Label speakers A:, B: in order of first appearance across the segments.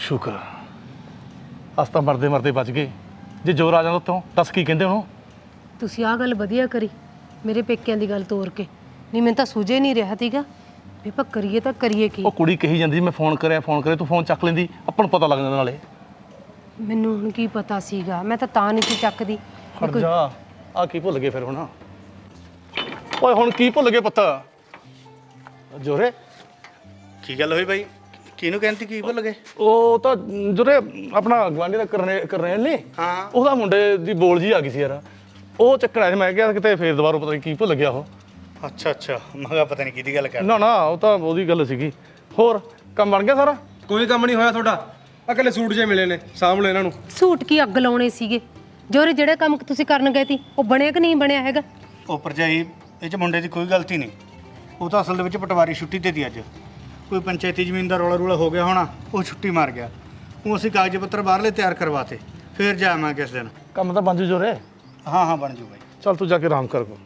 A: ਸ਼ੁਕਰ ਅਸ ਤਾਂ ਮਰਦੇ ਮਰਦੇ ਬਚ ਗਏ। ਜੇ ਜ਼ੋਰ ਆ ਜਾਂਦਾ ਉੱਤੋਂ ਦੱਸ ਕੀ ਕਹਿੰਦੇ ਉਹਨੂੰ।
B: ਤੁਸੀਂ ਆਹ ਗੱਲ ਵਧੀਆ ਕਰੀ, ਮੇਰੇ ਪੇਕਿਆਂ ਦੀ ਗੱਲ ਤੋਰ ਕੇ। ਨਹੀਂ ਮੈਨੂੰ ਤਾਂ ਸੂਝੇ ਨਹੀਂ ਰਿਹਾ ਸੀਗਾ ਵੀ ਆਪਾਂ ਕਰੀਏ ਤਾਂ ਕਰੀਏ ਕੀ।
A: ਉਹ ਕੁੜੀ ਕਹੀ ਜਾਂਦੀ ਮੈਂ ਫੋਨ ਕਰਿਆ ਤੂੰ ਫੋਨ ਚੱਕ ਲੈਂਦੀ, ਆਪਾਂ ਨੂੰ ਪਤਾ ਲੱਗ ਜਾਂਦਾ ਨਾਲੇ।
B: ਮੈਨੂੰ ਹੁਣ ਕੀ ਪਤਾ ਸੀਗਾ, ਮੈਂ ਤਾਂ ਨਹੀਂ ਸੀ ਚੱਕਦੀ। ਵੀ
A: ਹਟ
B: ਕੋਈ
A: ਜਾ, ਆ ਕੀ ਭੁੱਲ ਗਏ ਫਿਰ ਹੁਣ। ਓਏ ਹੁਣ ਕੀ ਭੁੱਲ ਗਏ ਪੁੱਤ? ਜੋਰੇ
C: ਕੀ ਗੱਲ ਹੋਈ ਬਾਈ? ਕਿਹਨੂੰ ਕਹਿੰਦੀ ਕੀ ਭੁੱਲ ਗਏ?
A: ਉਹ ਤਾਂ ਜੋਰੇ ਆਪਣਾ ਗਵਾਂਢੀ ਦਾ ਕਰਨੇਲ ਨੇ,
C: ਹਾਂ
A: ਉਹਦਾ ਮੁੰਡੇ ਦੀ ਬੋਲ ਜੀ ਆ ਗਈ ਸੀ ਯਾਰ। ਉਹ ਚੱਕਰ ਆਇਆ ਸੀ, ਮੈਂ ਕਿਹਾ ਕਿਤੇ ਫੇਰ ਦੁਬਾਰਾ ਪਤਾ ਨਹੀਂ ਕੀ ਭੁੱਲ ਗਿਆ ਉਹ।
C: ਅੱਛਾ ਮੈਂ ਕਿਹਾ ਪਤਾ ਨਹੀਂ ਕਿਹਦੀ ਗੱਲ ਕਰ।
A: ਨਾ ਉਹ ਤਾਂ ਉਹਦੀ ਗੱਲ ਸੀਗੀ। ਹੋਰ ਕੰਮ ਬਣ ਗਿਆ ਸਾਰਾ?
D: ਕੋਈ ਕੰਮ ਨਹੀਂ ਹੋਇਆ ਤੁਹਾਡਾ। ਆ ਇਕੱਲੇ ਸੂਟ ਜੇ ਮਿਲੇ ਨੇ, ਸਾਂਭ ਲਓ ਇਹਨਾਂ ਨੂੰ।
B: ਸੂਟ ਕੀ ਅੱਗ ਲਾਉਣੇ ਸੀਗੇ? ਜੋਰੇ ਜਿਹੜੇ ਕੰਮ ਤੁਸੀਂ ਕਰਨ ਗਏ ਸੀ ਉਹ ਬਣਿਆ ਕਿ ਨਹੀਂ ਬਣਿਆ ਹੈਗਾ?
C: ਉਹ ਭਰਜਾਈ, ਇਹ 'ਚ ਮੁੰਡੇ ਦੀ ਕੋਈ ਗਲਤੀ ਨਹੀਂ। ਉਹ ਤਾਂ ਅਸਲ ਦੇ ਵਿੱਚ ਪਟਵਾਰੀ ਛੁੱਟੀ ਤੇ ਦੀ ਅੱਜ। ਕੋਈ ਪੰਚਾਇਤੀ ਜ਼ਮੀਨ ਦਾ ਰੌਲਾ ਹੋ ਗਿਆ ਹੋਣਾ, ਉਹ ਛੁੱਟੀ ਮਾਰ ਗਿਆ। ਉਹ ਅਸੀਂ ਕਾਗਜ਼ ਪੱਤਰ ਬਾਹਰਲੇ ਤਿਆਰ ਕਰਵਾਤੇ, ਫੇਰ ਜਾਵਾਂਗੇ ਕਿਸ ਦਿਨ।
A: ਕੰਮ ਤਾਂ ਬਣ ਜੂ ਜੋਰੇ।
C: ਹਾਂ ਬਣ ਜੂ ਬਾਈ।
A: ਚੱਲ ਤੂੰ ਜਾ ਕੇ ਆਰਾਮ ਕਰ ਕੋ।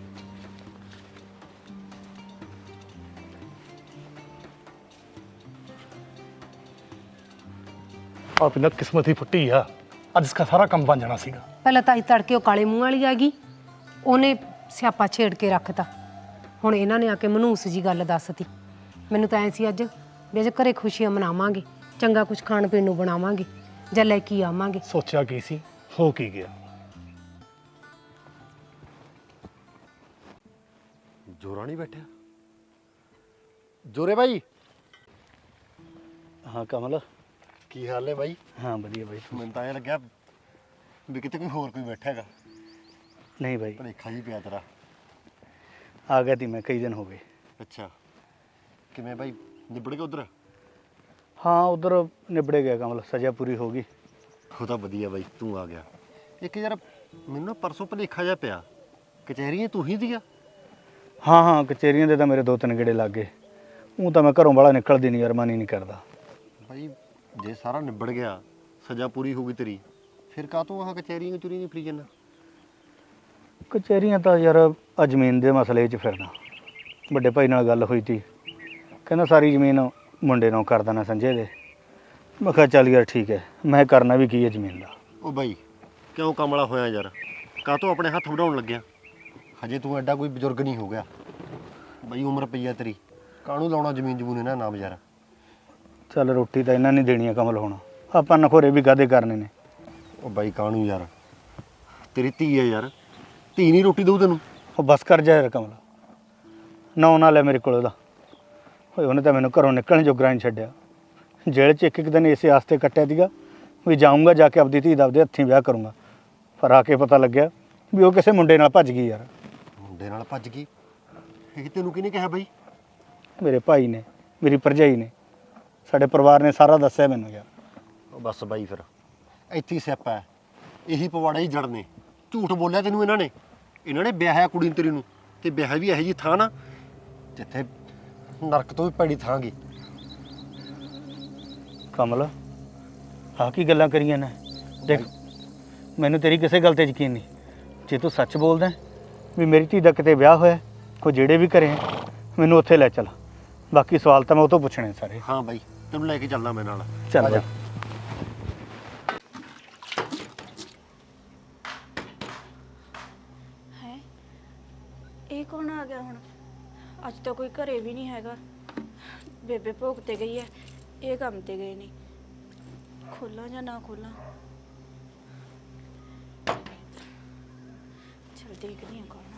A: ਆਪ ਨਾ ਕਿਸਮਤ ਹੀ ਫੁੱਟੀ ਆ, ਅੱਜ ਇਸਕਾ ਸਾਰਾ ਕੰਮ ਬਣ ਜਾਣਾ ਸੀਗਾ।
B: ਪਹਿਲਾਂ ਤਾਂ ਤੜਕੇ ਉਹ ਕਾਲੇ ਮੂੰਹ ਵਾਲੀ ਆ ਗਈ, ਉਹਨੇ ਸਿਆਪਾ ਛੇੜ ਕੇ ਰੱਖਤਾ। ਹੁਣ ਇਹਨਾਂ ਨੇ ਆ ਕੇ ਮਨੂਸ ਜੀ ਗੱਲ ਦੱਸਤੀ। ਮੈਨੂੰ ਤਾਂ ਐ ਸੀ ਅੱਜ ਵੀ ਅੱਜ ਘਰੇ ਖੁਸ਼ੀਆਂ ਮਨਾਵਾਂਗੇ, ਚੰਗਾ ਕੁਝ ਖਾਣ ਪੀਣ ਨੂੰ ਬਣਾਵਾਂਗੇ ਜਾਂ ਲੈ ਕੇ ਆਵਾਂਗੇ।
A: ਸੋਚਿਆ ਕੀ ਸੀ, ਹੋ ਕੀ ਗਿਆ।
E: ਜੋਰਾ ਨਹੀਂ ਬੈਠਿਆ? ਜੋਰੇ ਬਾਈ,
C: ਹਾਂ ਕਮਲ,
E: ਕੀ ਹਾਲ ਹੈ ਬਾਈ?
C: ਹਾਂ ਵਧੀਆ ਬਾਈ।
E: ਮੈਨੂੰ ਤਾਂ ਐਂ ਲੱਗਿਆ ਵੀ ਕਿਤੇ ਕੋਈ ਬੈਠਾ ਹੈਗਾ।
C: ਨਹੀਂ ਬਾਈ,
E: ਭਲੇਖਾ ਜੀ ਪਿਆ ਤੇਰਾ।
C: ਆ ਗਿਆ ਤੀ ਮੈਂ, ਕਈ ਦਿਨ ਹੋ ਗਏ।
E: ਅੱਛਾ, ਕਿਵੇਂ ਬਾਈ, ਨਿਬੜ ਗਿਆ ਉਧਰ?
C: ਹਾਂ ਉਧਰ ਨਿਬੜੇ ਗਿਆ ਕਮਲ, ਸਜ਼ਾ ਪੂਰੀ ਹੋ ਗਈ।
E: ਉਹ ਤਾਂ ਵਧੀਆ ਬਾਈ, ਤੂੰ ਆ ਗਿਆ। ਇੱਕ ਯਾਰ ਮੈਨੂੰ ਨਾ ਪਰਸੋਂ ਭਲੇਖਾ ਜਿਹਾ ਪਿਆ, ਕਚਹਿਰੀਆਂ ਤੂੰ ਹੀ ਦੀਆਂ?
C: ਹਾਂ ਕਚਹਿਰੀਆਂ ਦੇ ਤਾਂ ਮੇਰੇ 2-3 ਗੇੜੇ ਲੱਗ ਗਏ। ਉਹ ਤਾਂ ਮੈਂ ਘਰੋਂ ਬਾਹਲਾ ਨਿਕਲਦੀ ਨਹੀਂ ਯਾਰ, ਮਨ ਹੀ ਨਹੀਂ ਕਰਦਾ।
E: ਬਾਈ ਜੇ ਸਾਰਾ ਨਿਬੜ ਗਿਆ, ਸਜ਼ਾ ਪੂਰੀ ਹੋ ਗਈ ਤੇਰੀ, ਫਿਰ ਕਾਹਤੋਂ ਆਹ ਕਚਹਿਰੀਆਂ ਚੁਰੀ ਨਹੀਂ ਫਰੀ ਜਾਂਦਾ?
C: ਕਚਹਿਰੀਆਂ ਤਾਂ ਯਾਰ ਆ ਜ਼ਮੀਨ ਦੇ ਮਸਲੇ 'ਚ ਫਿਰਨਾ। ਵੱਡੇ ਭਾਈ ਨਾਲ ਗੱਲ ਹੋਈ ਤੀ, ਕਹਿੰਦਾ ਸਾਰੀ ਜ਼ਮੀਨ ਮੁੰਡੇ ਨੂੰ ਕਰ ਦੇਣਾ ਸੰਜੇ ਦੇ। ਮੈਂ ਕਿਹਾ ਚੱਲ ਯਾਰ ਠੀਕ ਹੈ, ਮੈਂ ਕਰਨਾ ਵੀ ਕੀ ਹੈ ਜ਼ਮੀਨ ਦਾ।
E: ਉਹ ਬਾਈ ਕਿਉਂ ਕਮਲਾ ਹੋਇਆ ਯਾਰ, ਕਾਹਤੋਂ ਆਪਣੇ ਹੱਥ ਵਢਾਉਣ ਲੱਗਿਆ? ਹਜੇ ਤੂੰ ਐਡਾ ਕੋਈ ਬਜ਼ੁਰਗ ਨਹੀਂ ਹੋ ਗਿਆ ਬਾਈ, ਉਮਰ ਪਈ ਆ ਤੇਰੀ, ਕਾਹਨੂੰ ਲਾਉਣਾ ਜ਼ਮੀਨ ਜਮੂਨ ਇਹਨਾਂ ਨਾਮ ਯਾਰ।
C: ਚੱਲ ਰੋਟੀ ਤਾਂ ਇਹਨਾਂ ਨੇ ਦੇਣੀ ਆ ਕਮਲ, ਹੁਣ ਆਪਾਂ ਨਖੋਰੇ ਵੀ ਕਾਹਦੇ ਕਰਨੇ ਨੇ।
E: ਉਹ ਬਾਈ ਕਾਹਨੂੰ ਯਾਰ, ਤੇਰੀ ਧੀ ਹੈ ਯਾਰ, ਧੀ ਨਹੀਂ ਰੋਟੀ ਦਊ ਤੈਨੂੰ?
C: ਉਹ ਬਸ ਕਰ ਜਾ ਯਾਰ ਕਮਲ, ਨਾ ਲੈ ਮੇਰੇ ਕੋਲ ਉਹਦਾ। ਓਏ ਉਹਨੇ ਤਾਂ ਮੈਨੂੰ ਘਰੋਂ ਨਿਕਲਣ ਜੋਗਰਾ ਨਹੀਂ ਛੱਡਿਆ। ਜੇਲ੍ਹ 'ਚ ਇੱਕ ਦਿਨ ਇਸੇ ਆਸਤੇ ਕੱਟਿਆ ਸੀਗਾ ਵੀ ਜਾਊਂਗਾ, ਜਾ ਕੇ ਆਪਦੀ ਧੀ ਦਾ ਆਪਦੇ ਹੱਥੀਂ ਵਿਆਹ ਕਰੂੰਗਾ। ਪਰ ਆ ਕੇ ਪਤਾ ਲੱਗਿਆ ਵੀ ਉਹ ਕਿਸੇ ਮੁੰਡੇ ਨਾਲ ਭੱਜ ਗਈ ਯਾਰ।
E: ਮੁੰਡੇ ਨਾਲ ਭੱਜ ਗਈ? ਇਹ ਤੈਨੂੰ ਕਿਹਨੇ ਕਿਹਾ ਬਾਈ?
C: ਮੇਰੇ ਭਾਈ ਨੇ, ਮੇਰੀ ਭਰਜਾਈ ਨੇ, ਸਾਡੇ ਪਰਿਵਾਰ ਨੇ ਸਾਰਾ ਦੱਸਿਆ ਮੈਨੂੰ ਯਾਰ।
E: ਉਹ ਬਸ ਬਾਈ ਫਿਰ ਇੱਥੇ ਹੀ ਸਿਆਪਾ ਹੈ, ਇਹੀ ਪਵਾੜਾ ਹੀ ਜੜ ਨੇ। ਝੂਠ ਬੋਲਿਆ ਤੈਨੂੰ ਇਹਨਾਂ ਨੇ ਵਿਆਹਿਆ ਕੁੜੀ ਨੂੰ ਤੇਰੀ ਨੂੰ, ਤੇ ਵਿਆਹ ਵੀ ਇਹੋ ਜਿਹੀ ਥਾਂ ਨਾ ਜਿੱਥੇ ਨਰਕ ਤੋਂ ਵੀ ਭੈੜੀ ਥਾਂ ਗੀ।
C: ਕਮਲ ਆਹ ਕੀ ਗੱਲਾਂ ਕਰੀਆਂ ਨੇ? ਦੇਖ ਮੈਨੂੰ ਤੇਰੀ ਕਿਸੇ ਗੱਲ ਤੇ ਯਕੀਨ ਨਹੀਂ। ਜੇ ਤੂੰ ਸੱਚ ਬੋਲਦਾ ਵੀ ਮੇਰੀ ਧੀ ਦਾ ਕਿਤੇ ਵਿਆਹ ਹੋਇਆ, ਕੋਈ ਜਿਹੜੇ ਵੀ ਘਰੇ ਮੈਨੂੰ ਉੱਥੇ ਲੈ ਚੱਲ। ਬਾਕੀ ਸਵਾਲ ਤਾਂ ਮੈਂ ਉਹ ਤੋਂ ਪੁੱਛਣੇ ਸਾਰੇ।
E: ਹਾਂ ਬਾਈ ਤੈਨੂੰ ਲੈ ਕੇ ਚੱਲਦਾ ਮੈਂ ਨਾਲ।
C: ਚੱਲ ਜਾ।
F: ਹੈ ਇਹ ਕੌਣ ਆ ਗਿਆ ਹੁਣ? ਅੱਜ ਤਾਂ ਕੋਈ ਘਰੇ ਵੀ ਨਹੀਂ ਹੈਗਾ। ਬੇਬੇ ਭੋਗ ਤੇ ਗਈ ਹੈ, ਇਹ ਕੰਮ ਤੇ ਗਏ ਨਹੀਂ। ਖੋਲਾਂ ਜਾਂ ਨਾ ਖੋਲਾਂ? ਚਲ ਦੇਖਦੀ ਹਾਂ ਕੌਣ ਆ।